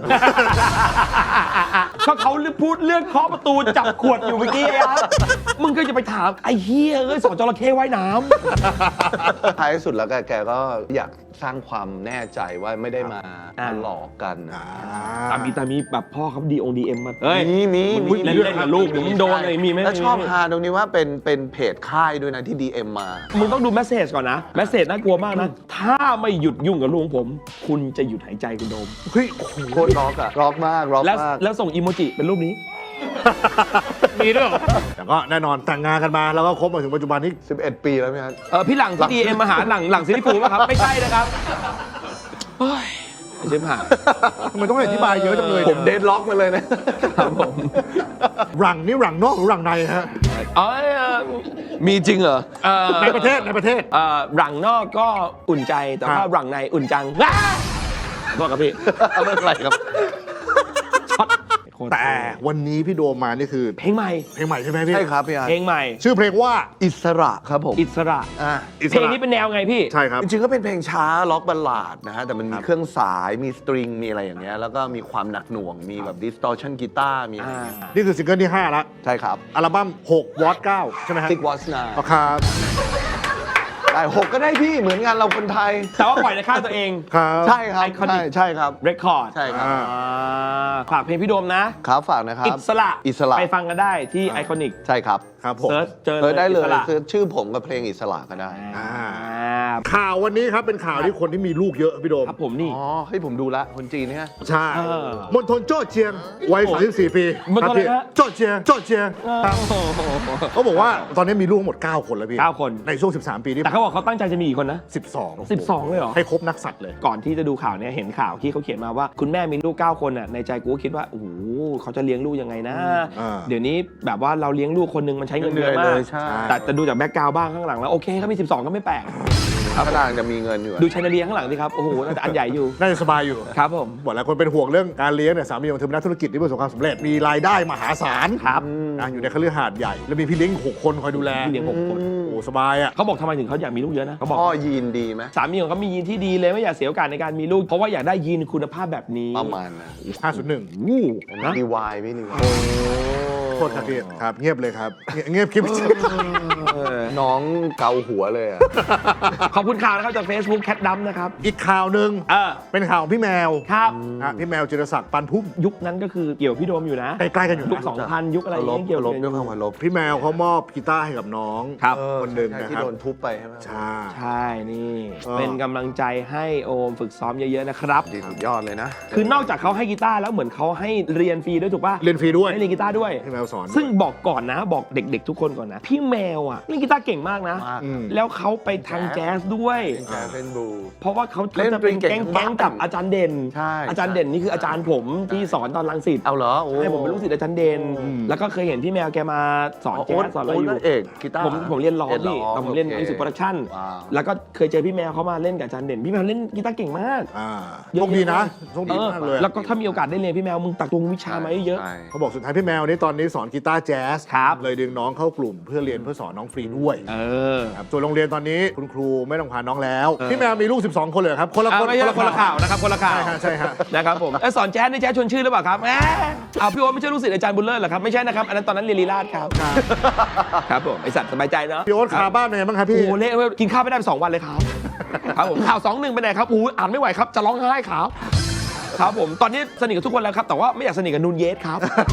Speaker 1: ก็เขาพูดเรื่องเคาะประตูจับขวดอยู่เมื่อกี้อะมึงก็จะไปถามไอ้เฮียเอ้ยสอนจระเข้ว่ายน้
Speaker 2: ท้ายสุดแล้วแกแกก็อยากสร้างความแน่ใจว่าไม่ได้มา
Speaker 1: อ่า
Speaker 2: มาหลอกกัน
Speaker 3: อ่า
Speaker 1: ำตามีตามีแบบพ่อเขาดีองดีเอ็มมาเฮ้ย
Speaker 2: มีมี
Speaker 1: มึงเล่นเล่นกับลูกเดี๋ยวมึงโดนเลยมีไหม
Speaker 2: แล้วชอบฮาตรงนี้ว่าเป็นเป็นเพจค่ายด้วยนะที่ ดี เอ็ม มา
Speaker 1: มึงต้องดูแมสเซจก่อนนะแมสเซจน่ากลัวมากนะ ถ้าไม่หยุดยุ่งกับลูกของผม คุณจะหยุดหายใจคุณโดม
Speaker 3: เฮ้ยโอ้โห
Speaker 2: โคตรร็อกอะร็อกมากร็อก
Speaker 1: แล้ว
Speaker 2: มาก
Speaker 1: แล้วส่งอีโมจิเป็นรูปนี้
Speaker 3: มีด้วยเหรอแต่ก็แน่นอนแต่งงานกันมาแล้วก็คบมาถึงปัจจุบันนี้
Speaker 2: สิบเอ็ด ปีแล้วไหมครับ
Speaker 1: เออพี่หลังที่ดีเอ็มมาหาหลังหลังซิลิฟูลป่ะครับ ไม่ใช่นะครับเฮ้ยเชฟหา
Speaker 3: ทำไมต้องอธิบายเยอะจังเลย
Speaker 2: ผมเดดล็อกมาเลยนะครับ
Speaker 1: ผม
Speaker 3: หลังนี่หลังนอกหรือหลังในฮะ
Speaker 1: อ๋อเอ่อ
Speaker 2: มีจริงเหรอ
Speaker 1: เอ่อ
Speaker 3: ในประเทศในประเทศ
Speaker 1: เอ่อหลังนอกก็อุ่นใจแต่
Speaker 3: ครั
Speaker 1: ว่า
Speaker 3: บ
Speaker 1: หลังในอุ่นจังว้าโทษครับพี่
Speaker 2: ไม่เป็นไรครับ
Speaker 1: ช็อตโคตร
Speaker 3: แต่วันนี้พี่โดมมานี่คือ
Speaker 1: เพลงใหม่
Speaker 3: เพลงใหม่ใช่ไหมพี่
Speaker 2: ใช่ครับพี่อาร์
Speaker 1: เพลงใหม่
Speaker 3: ชื่อเพลงว่า
Speaker 2: อิสระครับผม
Speaker 1: อิสระ
Speaker 2: อ่า
Speaker 3: อิส
Speaker 1: เพลง
Speaker 3: ระ
Speaker 1: นี้เป็นแนวไงพี่
Speaker 3: ใช่ครับ
Speaker 2: จริงๆก็เป็นเพลงช้าล็อกบัลลาดนะฮะแต่มันมี
Speaker 3: ครับ
Speaker 2: เครื่องสายมีสตริงมีอะไรอย่างเงี้ยแล้วก็มีความหนักหน่วงมีแบบดิสตอร์ชันกีตาร์มีอะไรอย่างเงี้ย
Speaker 3: นี่คือซิงเกิลที่ห้าแล้ว
Speaker 2: ใช่ครับ
Speaker 3: อัลบั้มหกวอตเก้าใช่ไหมฮะ
Speaker 2: ซิกวอสนา
Speaker 3: อ๋อครับ
Speaker 2: ได้หกก็ได้พี่เหมือนงานเราคนไทย
Speaker 1: แต่ว่าปล่อยในค่ายตัวเอง
Speaker 3: ครับ
Speaker 2: ใช่ครับ
Speaker 1: Iconic
Speaker 2: ใช่ใช่ครับ
Speaker 1: เรคคอร์ด
Speaker 2: ใช่ครับ
Speaker 3: อ่า
Speaker 1: ฝากเพลงพี่โดมนะ
Speaker 2: ครับฝากนะครับ
Speaker 1: อิสระ
Speaker 2: อิสระ
Speaker 1: ไปฟังกันได้ที่ไอคอนิก
Speaker 2: ใช่ครับ
Speaker 3: ครับผม
Speaker 1: เซิร์ชเจอ
Speaker 2: เออได้เลย
Speaker 1: อิสระ
Speaker 2: คือชื่อผมกับเพลงอิสระก็ได้
Speaker 1: อ่า
Speaker 3: ข่าววันนี้ครับเป็นข่าวที่คนที่มีลูกเยอะพี่โดม
Speaker 1: ครับผมนี่
Speaker 2: อ๋อเฮ้ยผมดูละคนจีนเนี่ย
Speaker 3: ใช่
Speaker 1: เออ
Speaker 3: มณฑลโจ้เจียงวัยสามสิบสี่ปี
Speaker 1: มณฑลอะไร
Speaker 3: ครับพี่
Speaker 1: ฮะ
Speaker 3: โจ้เจียงโจ้เจียงครับ
Speaker 1: โอ้โห
Speaker 3: เขาบอกว่าตอนนี้มีลูกทั้งหมดเก้าคนแล้วพี่
Speaker 1: เก้าคน
Speaker 3: ในช่วงสิบสามปีที่
Speaker 1: แต่เขาบอกเขาตั้งใจจะมีอีกคนนะ
Speaker 3: สิบสอง
Speaker 1: สิบสองเลยเหรอ
Speaker 3: ให้ครบนักสัตว์เลย
Speaker 1: ก่อนที่จะดูข่าวเนี่ยเห็นข่าวที่เขาเขียนมาว่าคุณแม่มีลูกเก้าคนอ่ะในใจกูก็คิดว่าโอ้โหเขาจะเลี้ยงลูกยังไงนะ
Speaker 3: อ่า
Speaker 1: เดี๋ยวนี้แบบว่าเราเลี้ยงลูกคนหนึงมันใช้เงินเยอะ
Speaker 2: เหนื่
Speaker 1: มา
Speaker 2: อย
Speaker 1: ก
Speaker 2: เลยใช่
Speaker 1: แต่จะดูจากแบ็กกราวด์บ้างข้างหลังแล้วโอเคเขามีสิบสองก็ไม่แปลก
Speaker 2: ถ้าทางจะมีเงินอยู่อะ
Speaker 1: ดูชายนาเลียข้างหลังสิครับโอ้โหน่าจะอันใหญ่อยู่
Speaker 3: น่าจะสบายอยู่
Speaker 1: ครับผม
Speaker 3: บอกแล้วคนเป็นห่วงเรื่องการเลี้ยงเนี่ยสามีของเธอเป็นนักธุรกิจที่ประสบความสำเร็จมีรายได้มหาศาล
Speaker 1: ครับ
Speaker 3: นะอยู่ในคฤหาสน์ใหญ่ แล้วมีพี่เลี้ยงอีกหกคนคอยดูแล
Speaker 1: พี่เลี้ยงหกคน
Speaker 3: โอ้สบายอ่ะ
Speaker 1: เขาบอกทำไมถึงเขาอยากมีลูกเยอะนะเขาบอก
Speaker 2: พ่อยีนดีไหม
Speaker 1: สามีของเขามียีนที่ดีเลยไม่อยากเสียโอกาสในการมีลูกเพราะว่าอยากได้ยีนคุณภาพแบบนี้
Speaker 2: ประมาณนะ
Speaker 3: ห้าศูนย์หนึ่ง
Speaker 1: นะ
Speaker 2: ดีวายพี่ดีวาย
Speaker 3: โทษครับพี่ครับเงียบเลยครับเงียบเงียบคลิป
Speaker 2: น้องเกาหัวเลยอะ
Speaker 1: ขอบคุณข่าวนะครับจาก Facebook แคทดัมนะครับ
Speaker 3: อีกข่าวหนึ่ง
Speaker 1: เออ
Speaker 3: เป็นข่าวของพี่แมว
Speaker 1: ครับ
Speaker 3: นะพี่แมวจิรศักดิ์ปันพุ่ม
Speaker 1: ยุคนั้นก็คือเกี่ยวกับพี่โดมอยู่นะ
Speaker 3: ใกล้ๆกันอยู่
Speaker 1: ยุค
Speaker 3: นะ
Speaker 1: สองพันยุคอะไรอย่าง
Speaker 2: ลบ
Speaker 1: เงี้ยเกี่ยว
Speaker 2: ล
Speaker 1: กั
Speaker 2: บบ ด้วยความเคารพ
Speaker 3: พี่แมวเขามอบกีตาร์ให้กับน้อง
Speaker 1: ครับ
Speaker 3: คนหนึ่งนะ
Speaker 2: ที่
Speaker 3: ครับ
Speaker 2: โดนทุบไปใช่ไหม
Speaker 3: ใช่
Speaker 1: ใช่นี่
Speaker 3: เออ
Speaker 1: เป็นกำลังใจให้โอมฝึกซ้อมเยอะๆนะครับ
Speaker 2: ดีสุดยอดเลยนะ
Speaker 1: คือนอกจากเขาให้กีตาร์แล้วเหมือนเขาให้เรียนฟรีด้วยถูกป่ะ
Speaker 3: เรียนฟรีด้วย
Speaker 1: ให้เรียนกีตาร์ด้วย
Speaker 3: พี่แมวสอน
Speaker 1: ซึ่งบอกก่อนนะบอกเด็กๆทุกคนก่อนนะ พี่แมวอ่ะเล่นกีตาร์เก่งมากนะ
Speaker 2: มาก
Speaker 3: อืม
Speaker 1: แล้วเขาไปทางแจ๊สด้วย
Speaker 2: เป็นแจ๊สเป็นบลู
Speaker 1: เพราะว่าเขา
Speaker 2: เล่น
Speaker 1: จะเป็น
Speaker 2: เก่
Speaker 1: แก๊
Speaker 2: ง
Speaker 1: ง
Speaker 2: ๆ
Speaker 1: แก๊งกับอาจารย์เด่น
Speaker 2: ใช่
Speaker 1: อาจารย์เด่นนี่คืออาจารย์ผมที่สอนตอนรังสิต
Speaker 2: เอาเหรอโอ้
Speaker 1: ให้ผมเป็นลูกศิษย์อาจารย์เด่นแล้วก็เคยเห็นพี่แมวแกมาสอนแจ๊สสอนอะไรอยู่
Speaker 2: โเอกกีตาร์
Speaker 1: ผมผมเรียนร้อง
Speaker 2: เรียนร้
Speaker 1: พี่
Speaker 2: อง
Speaker 1: แต่ผมเรียน
Speaker 2: โอเค
Speaker 1: มิวสิกโปรดักชั่น
Speaker 2: ว้าว
Speaker 1: แล้วก็เคยเจอพี่แมวเขามาเล่นกับอาจารย์เด่น พี่แมวเล่นกีตาร์เก่งมาก
Speaker 3: อ่า
Speaker 1: เยอะ
Speaker 3: โชคดีนะ
Speaker 1: เยอะ
Speaker 3: โชคดีมากเลย
Speaker 1: แล้วก็ถ้ามีโอกาสได้เรียนพี่แมวมึงตักตวงวิชามาเยอะ
Speaker 2: ใช่
Speaker 3: เขาบอกสุดท้ายพี่แมวนี่ตอนนี้สอนกีตาร์แจ๊ส
Speaker 1: ครับ
Speaker 3: เลยดึงน้องเข้ากลุ่มเพื่อเรียนเพื่อสอนน้องฟรีด้วย
Speaker 1: เออ
Speaker 3: ครับส่วนโรงเรียนตอนนี้คุณครูไม่ต้องพาน้องแล้ว
Speaker 1: เออ
Speaker 3: พี่แมวมีลูกสิบสองคนเลยเหรอครับคนละ
Speaker 1: อ่ะ
Speaker 3: คน
Speaker 1: ไม่ใช่คนละข่าวนะครับคนละข่าว
Speaker 3: ใช่ฮะใช่ฮะ
Speaker 1: นะครับผมเอ้ยสอนแจ๊สนี่แจ๊สชวนชื่อหรือเปล่าครับแหมเอาพี่โอ๊ตไม่ใช่ลูกศิษย์อาจารย์บุญเลิศเหรอครับไม่ใช่นะครับอันนั้นตอนนั้นเรียนลีลาศครับครับผมไอสัตว์สบายใจเนาะ
Speaker 3: พี่โอ๊ตคาบ้านเป็นไงบ้างครับ
Speaker 1: โอ้
Speaker 3: พี่
Speaker 1: โหเละเว้ยกินข้าวไม่ได้ไปสองวันเลยครับครับผมข่าวสองหนึ่งไปไหนครับอู้อ่านไม่ไหวครับจะร้องไห้ครับครับผมตอนนี้สนิทกับทุกคนแล้วครับแต่ว่าไม่อยากสนิทกับนูนเยสครับ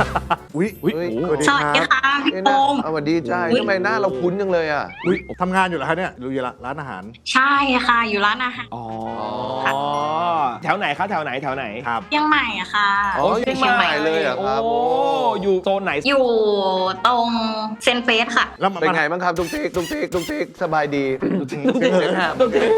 Speaker 3: อุ้ย
Speaker 1: อุ๊ย
Speaker 2: เฮ้ย
Speaker 3: สวัสดี
Speaker 4: ส
Speaker 3: ค
Speaker 4: วัส
Speaker 3: รับ
Speaker 4: ดีค่ะพี่
Speaker 2: เอ้ย
Speaker 4: โอ
Speaker 2: นะ
Speaker 4: ม
Speaker 2: สวัสดีจ้า
Speaker 4: อุ๊ย
Speaker 2: ทำไมหน้าเราคุ้นจังเลยอ่ะ
Speaker 3: อุ้ยทำงานอยู่เหรอคะเนี่ยอยู่ร้านอาหาร
Speaker 4: ใช่ค่ะ อยู่ร้านอาหาร
Speaker 1: อ๋อ
Speaker 2: ค่ะ
Speaker 1: แถวไหนคะแถวไหนแถวไหน
Speaker 3: ครับ
Speaker 4: เชียงใหม่อะค่ะ
Speaker 2: อ๋ออยู่เชียงใหม่เลยเหรอครับ
Speaker 1: โอ้อยู่โซนไหน
Speaker 4: อยู่ตรงเซนเฟสค่ะ
Speaker 3: แล้วมา
Speaker 2: เป็นไงบ้างครับตุ๊กติ๊กตุ๊กติ๊กตุ๊กติ๊กสบายดี
Speaker 1: ตุ๊กติ๊ก
Speaker 2: เสียงแหบ
Speaker 1: ตุ๊กติ๊ก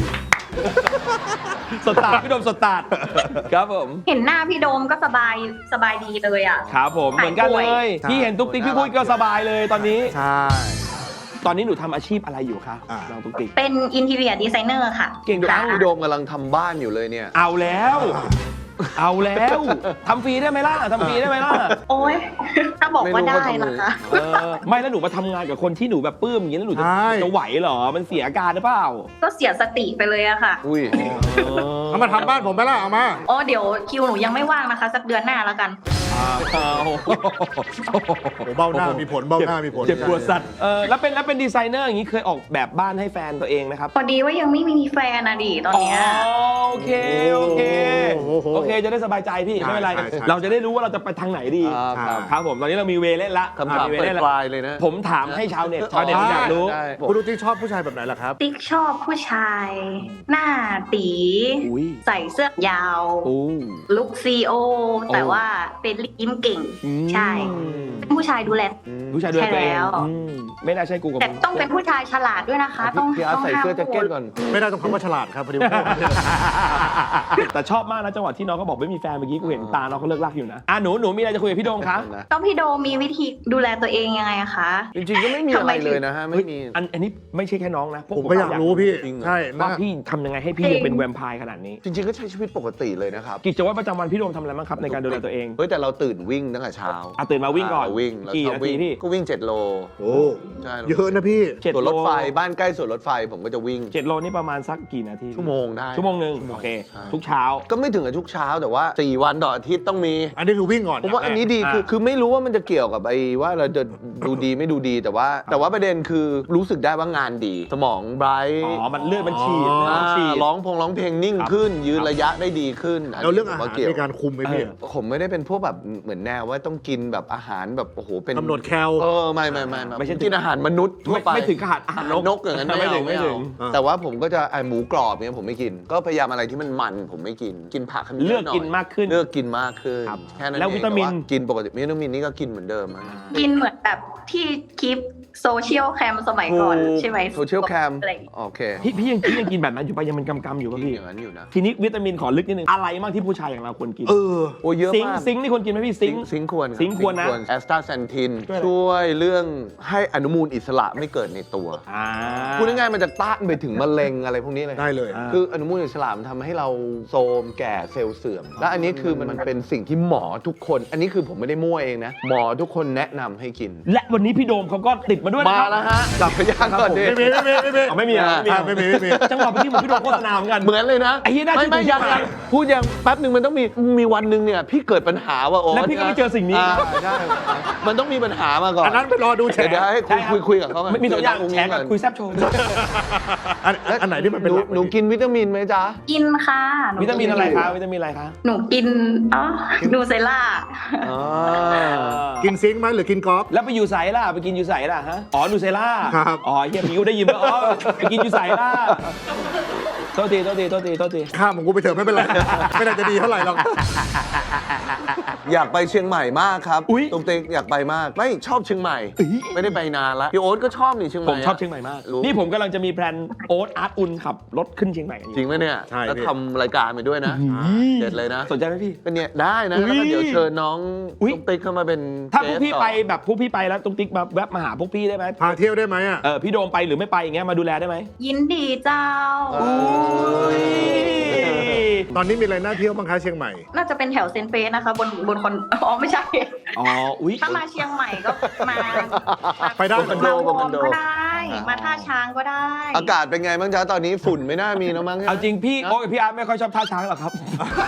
Speaker 1: สตาร์ทพี่โดมสตาร์ทครับผม
Speaker 4: เห็นหน้าพี่โดมก็สบายสบายดีเลยอะ
Speaker 1: ครับผมเหมือนกันเลย
Speaker 3: ใช่
Speaker 1: พี่เห็นตุ๊กติ๊กพี่ปุ้ยก็สบายเลยตอนนี้
Speaker 3: ใช่
Speaker 1: ตอนนี้หนูทำอาชีพอะไรอยู่คะ
Speaker 3: อ่า
Speaker 1: น้องตุ๊กติ๊ก
Speaker 4: เป็นอินทีเรียดีไซเนอร์ค่ะ
Speaker 1: เก่งจัง
Speaker 2: พี่โดมกำลังทำบ้านอยู่เลยเนี่ย
Speaker 1: เอาแล้ว เอาแล้วทำฟรีได้ไหมล่ะทำฟรีได้ไหมล่ะ
Speaker 4: โอ้ยถ้าบอกว่าได้
Speaker 2: ไม่รู้
Speaker 4: นะคะ
Speaker 1: เออไม่แล้วหนูมาทำงานกับคนที่หนูแบบปลื้มอย่างนี้แล้วหนูจะ
Speaker 3: ใช่
Speaker 1: จะไหวเหรอมันเสียอาการหรือเปล่า
Speaker 4: ก็เสียสติไปเลยอะค่ะ
Speaker 2: อุ้ย
Speaker 3: เอามาทำบ้านผมไปละเอามา
Speaker 4: อ๋อเดี๋ยวคิวหนูยังไม่ว่างนะคะ สักเดือนหน้าแล้วกัน
Speaker 1: เอา
Speaker 3: โอ้เบ้าหน้ามีผลเบ้าหน้ามีผล
Speaker 1: เจ็บปวดสัตว์เออแล้วเป็นแล้วเป็นดีไซเนอร์อย่างนี้เคยออกแบบบ้านให้แฟนตัวเองไหมครับ
Speaker 4: พอดีว่ายังไม่มีแฟนนะดิตอนเนี้ย
Speaker 1: อ๋อโอเคโอเค
Speaker 3: โอ้โห
Speaker 1: โอเคจะได้สบายใจพี่ไม่เป็นไร
Speaker 3: ใช่ใช่
Speaker 1: เราจะได้รู้ว่าเราจะไปทางไหนดี
Speaker 2: ครับ
Speaker 1: ครับผมตอนนี้เรามีเวเล่นละ
Speaker 2: คำถาม
Speaker 1: มีเว
Speaker 2: ป
Speaker 1: เล่นละ
Speaker 2: ลายๆเลยนะ
Speaker 1: ผมถามให้ชาวเน็ตชาวเน็ตอยากรู้
Speaker 2: ได้
Speaker 3: คุณลูกติ๊กชอบผู้ชายแบบไหนล่ะครับ
Speaker 4: ติ๊กชอบผู้ชาย หน้าตี
Speaker 1: อุ้ย
Speaker 4: ใส่เสื้อยาว
Speaker 1: โอ้
Speaker 4: ลุคซีโอ แต่ว่าเป็นยิ้มเก่ง ใช่ เป็นผู้ชายดูแล
Speaker 1: ผู้ชายด้วยตัวเอง
Speaker 4: ใช่แล้ว
Speaker 1: อืมไม่น่าใช่กูกับ
Speaker 4: แต่
Speaker 1: มึง
Speaker 4: ต้องเป็นผู้ชายฉลาดด้วยนะคะ ต้อง
Speaker 2: พี่อาร์ต
Speaker 4: ต้อง
Speaker 2: ใส่
Speaker 4: ห้าม
Speaker 2: เสื้อแจ็คเก็ตก่อน
Speaker 3: ไม่ได้ต้องคำว่าฉลาดครับพอดีว่า
Speaker 1: แต่ชอบมากนะจังหวะที่น้องเขาบอกไม่มีแฟนเมื่อกี้กูเห็นตาน้องเขาเลิกลักอยู่นะอ่ะหนูหนูมีอะไรจะคุยกับพี่โดมคะ
Speaker 4: ต้องพี่โดมมีวิธีดูแลตัวเองยังไงอะคะ
Speaker 2: จริงๆก็ไม่มีอะไรเลยนะฮะ ไม่มี
Speaker 1: อันอันนี้ไม่ใช่แค่น้องนะพว
Speaker 3: ผมก็อยากรู้พี่
Speaker 2: จริงเหรอ
Speaker 3: ใช่
Speaker 1: ว่า
Speaker 3: นะ
Speaker 1: พี่ทำยังไงให้พี่ยังเป็นแวมไพร์ขนาดนี้
Speaker 2: จริงๆก็ใช้ชีวิตปกติเลยนะครับ
Speaker 1: กิจวัตรประจำวันพี่โดมทำอะไรบ้างครับในการดูแลตัวเอง
Speaker 2: เฮ้ยแต่เราตื่นวิ่งตั้งแต่เช้า
Speaker 1: อ่ะตื่นมาวิ่งก่อน
Speaker 2: าวิ่งแล้ว
Speaker 1: กี่
Speaker 2: ชอบ
Speaker 1: นาที
Speaker 2: วิ่ง
Speaker 1: พี่
Speaker 2: ก็วิ่งเจ็ดโล
Speaker 3: โอ้
Speaker 2: ใช่
Speaker 3: เยอะนะพี่
Speaker 1: เจ็ด
Speaker 2: ส่วนรถไฟ
Speaker 1: โล
Speaker 2: บ้านใกล้ส่วนรถไฟผมก็จะวิ่ง
Speaker 1: เจ็ดโลนี่ประมาณสักกี่นาที
Speaker 2: ชั่วโมงได้
Speaker 1: ชั่วโมงหนึ่งโอเค
Speaker 2: ใช่
Speaker 1: ทุกเช้า
Speaker 2: ก็ไม่ถึงกับทุกเช้าแต่ว่าสี่วันต่ออาทิตย์ต้องมี
Speaker 3: อันนี้คือวิ่งก่อน
Speaker 2: ผมว่าอันนี้ดี
Speaker 1: อ่า
Speaker 2: คือคือไม่รู้ว่ามันจะเกี่ยวกับไอ้ว่าเราจะดูดีไม่ดูดีแต่ว่า แต่ว่าประเด็นคือรู้สึกได้ว่างานดี สมองไบรท์
Speaker 1: อ๋อมันเลือดมันฉีด
Speaker 3: อ๋อ
Speaker 1: เลือดมันฉีด
Speaker 2: ร้องพงร้องเพลงนิ่ง
Speaker 1: ครับ
Speaker 2: ขึ้น ยืนระยะได้ดีขึ้นน
Speaker 3: แล้ว
Speaker 2: นี้
Speaker 3: เรื่อง
Speaker 2: ผม
Speaker 3: อาหาร
Speaker 2: ว่าเกี่ยว
Speaker 3: ในการคุมไหมพี่
Speaker 1: เออ
Speaker 2: ผมไม่ได้เป็นพวกแบบเหมือนแนวว่าต้องกินแบบอาหารแบบโอ้โหเป็น
Speaker 3: กำหนดแคล
Speaker 2: เออไม่ไม่ไม่
Speaker 1: ไม่ใช่
Speaker 2: กินอาหารมนุษย์ทั่วไป
Speaker 1: ไม่ไม่ถึงขนาดอาหารนก
Speaker 2: นกอย่างนั้น
Speaker 1: ไม่
Speaker 2: ไม่
Speaker 1: ถึ
Speaker 2: เอา
Speaker 1: ง
Speaker 2: ไม่
Speaker 1: ไม่ถึ
Speaker 2: เอา
Speaker 1: ง
Speaker 3: อ่า
Speaker 2: แต่ว่าผมก็จะไอหมูกรอบเนี่ยผมไม่กิน ก็พยายามอะไรที่มันมันผมไม่กินกินผักให้มัน
Speaker 1: เลือก
Speaker 2: ยะหย
Speaker 1: กินมากขึ้น
Speaker 2: เลือกกินมากขึ้น
Speaker 1: ครับ
Speaker 2: แค่นั้น
Speaker 1: แล้ว
Speaker 2: เอง
Speaker 1: วิตามิน
Speaker 2: แกินปกติวิตามินนี่ก็กินเหมือนเดิมอะ
Speaker 4: กินเหมือนแบบที่คลิปโซเชียลแคมสมัยก่อนใช่ไหม
Speaker 2: โซเชียลแคม
Speaker 4: อะไรอย่างเงี้ย
Speaker 2: โอเค
Speaker 1: พี่พี่ยังพี่ยังกินแบบนั้นอยู่ปะยังเป็นกำๆอยู่
Speaker 2: กิ
Speaker 1: ป่ะ
Speaker 2: น
Speaker 1: พี่
Speaker 2: อย่างนั้นอยู่นะ
Speaker 1: ทีนี้วิตามินขอลึกนิดนึงอะไรบ้างที่ผู้ชายอย่างเราควรกิน
Speaker 3: เออ
Speaker 2: โอ้เยอะ
Speaker 1: ซิง
Speaker 2: มาก
Speaker 1: ค์ซิงค์นี่ควรกินไหมพี่ซิ
Speaker 2: ซิ
Speaker 1: ง
Speaker 2: ง
Speaker 1: ค์
Speaker 2: ค์ซิงค์ควร
Speaker 1: ซิงค์ควรนะ
Speaker 2: แอสตาแซนทิน
Speaker 1: ช่วยอะไร
Speaker 2: ช่วยเรื่องให้อนุมูลอิสระไม่เกิดในตัว
Speaker 1: อ่า
Speaker 2: พูดง่ายๆมันจะต้านไปถึงมะเร็งอะไรพวกนี้เลย
Speaker 3: ได้เลย
Speaker 1: อ่า
Speaker 2: คืออนุมูลอิสระมันทำให้เราโทรมแก่เซลล์เสื่อม และอันนี้คือมันมันเป็นสิ่งที่หมอทุกคน อันนี้คือผมไม่ได้มั่วเองนะ หมอทุกคนแนะนำให้กิน
Speaker 1: และวันนี้พี่โดมเขาก็ติดมาด้วยนะ
Speaker 2: มา
Speaker 1: ครับ
Speaker 2: แล้วฮะจับพยานก่อนดิ
Speaker 3: ไม่มีไม่มีไม่มี
Speaker 1: อ๋อไม่มีอ่ะ
Speaker 3: อ่าไม่มีไม่มี
Speaker 1: จังหวะเมื่อกี้เหมือนพี่โดมโฆษณาเหมือนกัน
Speaker 2: เหมือนเลยนะ
Speaker 1: ไอ้เหี้ยน่า
Speaker 2: ไม่ไม่
Speaker 1: เชื่อถือ
Speaker 2: ยัง
Speaker 1: ชิบหาย
Speaker 2: ยังพูดยังแป๊บหนึ่งมันต้องมีมีวันหนึ่งเนี่ยพี่เกิดปัญหาว่าโอ้
Speaker 1: แล้วพี่ก็ไม่เจอสิ่งนี้
Speaker 2: าใช่มันต้องมีปัญหามาก่อน
Speaker 3: อันนั้นไปรอดูแฉ
Speaker 2: เดี๋ยวเดี๋ยวให้
Speaker 1: ใช่
Speaker 2: คุย
Speaker 1: ครับ
Speaker 2: คุยคุยกับเขาก่อน
Speaker 1: ไม่มีตัวอย่าง
Speaker 2: เดี๋ว
Speaker 1: แชร์กับ
Speaker 2: น้ง
Speaker 1: คุยแซบโชว์
Speaker 3: อันอันไหนที่มันเป็น
Speaker 2: หนู
Speaker 3: หลัก
Speaker 2: หนูกินวิตามินไหมจ๊ะ
Speaker 4: กินค่ะห
Speaker 1: วิตามินอะไรคะวิตามินอะไรคะ
Speaker 4: หนูกินอ๋อดูเซล่า
Speaker 2: อ๋อ
Speaker 3: กินซิงค์ไหมหรือกินกอล์ฟ
Speaker 1: แล้วไปอยู่ใสล่ะไปกินอยู่ใสล่ะฮะอ๋อนูเซล่า
Speaker 3: ครับ
Speaker 1: อ๋อเฮียพี่กูได้ยินว่าอ๋อไปกินอยู่ใสล่ะโทษทีโทษทีโทษทีโทษที
Speaker 3: ข้ามของกูไปเถอะไม่เป็นไร ไม่น่าจะดีเท่าไหร่หรอก
Speaker 2: อยากไปเชียงใหม่มากครับ
Speaker 1: อุ๊ย
Speaker 2: ตุ๊กติ๊กอยากไปมาก ไม่ชอบเชียงใหม่ ไม่ได้ไปนานละพี่โอ๊ตก็ชอบนี่เชียงให
Speaker 1: ผ
Speaker 2: ม่
Speaker 1: ม
Speaker 2: อะ
Speaker 1: ชอบเชียงใหม่มาก
Speaker 2: รู้
Speaker 1: นี่ผมกำลังจะมีแพลนโอ๊ตอาร์ตอุนขับรถขึ้นเชียงใหม่กันอ
Speaker 2: จริ
Speaker 1: ยู่
Speaker 2: งไหมเนี่ย
Speaker 3: ใช่
Speaker 2: แล้ว
Speaker 3: พี่
Speaker 2: ทำรายการไปด้วยนะ เด็ดเลยนะ
Speaker 1: สนใจไหมพี่
Speaker 2: เป็นเนี่ยได้นะ
Speaker 1: อุ๊ย
Speaker 2: แล้วก็เดี๋ยวเชิญน้อง
Speaker 1: อุ๊ย
Speaker 2: ตุ๊กติ๊กเข้ามาเป็น
Speaker 1: ถ้าพวก
Speaker 2: เกส
Speaker 1: พี่
Speaker 2: ต่อ
Speaker 1: ไปแบบพวกพี่ไปแล้วตุ๊กติ๊กมาแวะมาหาพวกพี่ได้ไหม
Speaker 3: พาเที่ยวได้ไหมอ่ะ
Speaker 1: เออพี่โดมไปหรือไม่ไปอย่างเงี้ยมาดูแลได้ไหม
Speaker 4: ยินดีเจ้า
Speaker 1: อุ้ย
Speaker 3: ตอนนี้มีอะไรน่าเที่ยวบ้างคะเชียงใหม่
Speaker 4: น่าจะเป็นแถวเซนเฟสนะคะ บนบนคนอ๋อไม่ใช่
Speaker 1: อ๋ออุ้ย
Speaker 4: ถ้ามาเชียงใหม่ก็มา
Speaker 3: ไปได้
Speaker 4: มาวอร์มก็ได้ มาท่าช้างก็ได้
Speaker 2: อากาศเป็นไงบ้างจ๊ะตอนนี้ฝุ่นไม่น่ามีแล้วมั้ง
Speaker 1: เอาจริงพี่โอ๊ตกับพี่อาร์ตไม่ค่อยชอบท่าช้างหรอกครับ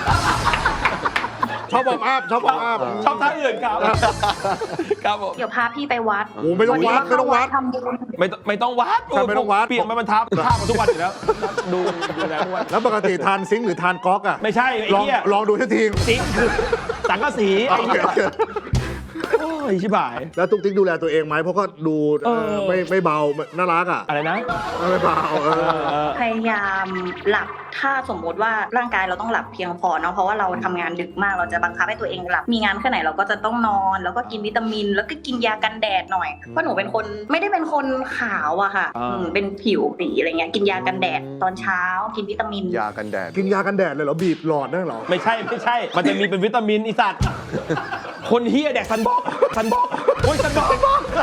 Speaker 3: ชอบวอร์มอัพชอบวอร์มอัพ
Speaker 1: ชอบท่าอื่นครับครับผม
Speaker 4: เดี๋ยวพาพี่ไปวัด
Speaker 3: โอ้ไม่ต้องวัดไม่ต้องวัด
Speaker 4: ทำบุญ
Speaker 1: ไม่ต้องไม่ต้องวัด
Speaker 3: ใช่ไม่ต้องวัด
Speaker 1: เปลี่ยนมาบรรทับท่ามาทุกวันอยู่แล้วดูดูแลทุกวัน
Speaker 3: แล้วปกติทานซิงค์หรือทานก๊อกอ่ะ
Speaker 1: ไม่ใช่ไอ้
Speaker 3: ลอง
Speaker 1: เหี้ย
Speaker 3: ลองดูสักที
Speaker 1: ซิงค์คือสังกะสีไอ้
Speaker 3: โอเค
Speaker 1: เหี้ย
Speaker 3: โอเค
Speaker 1: โอ้ไอ้ชิบหาย
Speaker 3: แล้วตุ๊กติ๊กดูแลตัวเองไหมเพราะก็ดูเออ
Speaker 1: เออ
Speaker 3: ไม่ไม่เบาน่ารักอ่ะ
Speaker 1: อะไรนะ
Speaker 3: ไม่เบาเออ
Speaker 4: พยายามหลับถ้าสมมติว่าร่างกายเราต้องหลับเพียงพอเนาะเพราะว่าเราทำงานดึกมากเราจะบังคับให้ตัวเองหลับมีงานแค่ไหนเราก็จะต้องนอนแล้วก็กินวิตามิน แล้วก็กินยากันแดดหน่อยเพราะหนูเป็นคนไม่ได้เป็นคนขาวอะค่ะ
Speaker 1: อ่า
Speaker 4: อืมเป็นผิวสีอะไรเงี้ยกินยากันแดดตอนเช้ากินวิตามิน
Speaker 2: ยากันแดด
Speaker 3: กินยากันแดดเลยเหรอบีบหลอดนั่นเหรอ
Speaker 1: ไม่ใช่ไม่ใช่ มันจะมีเป็นวิตามินอีสัตว์ คนเฮียแดกซันบอกซันบอกโอ้ยซันบอก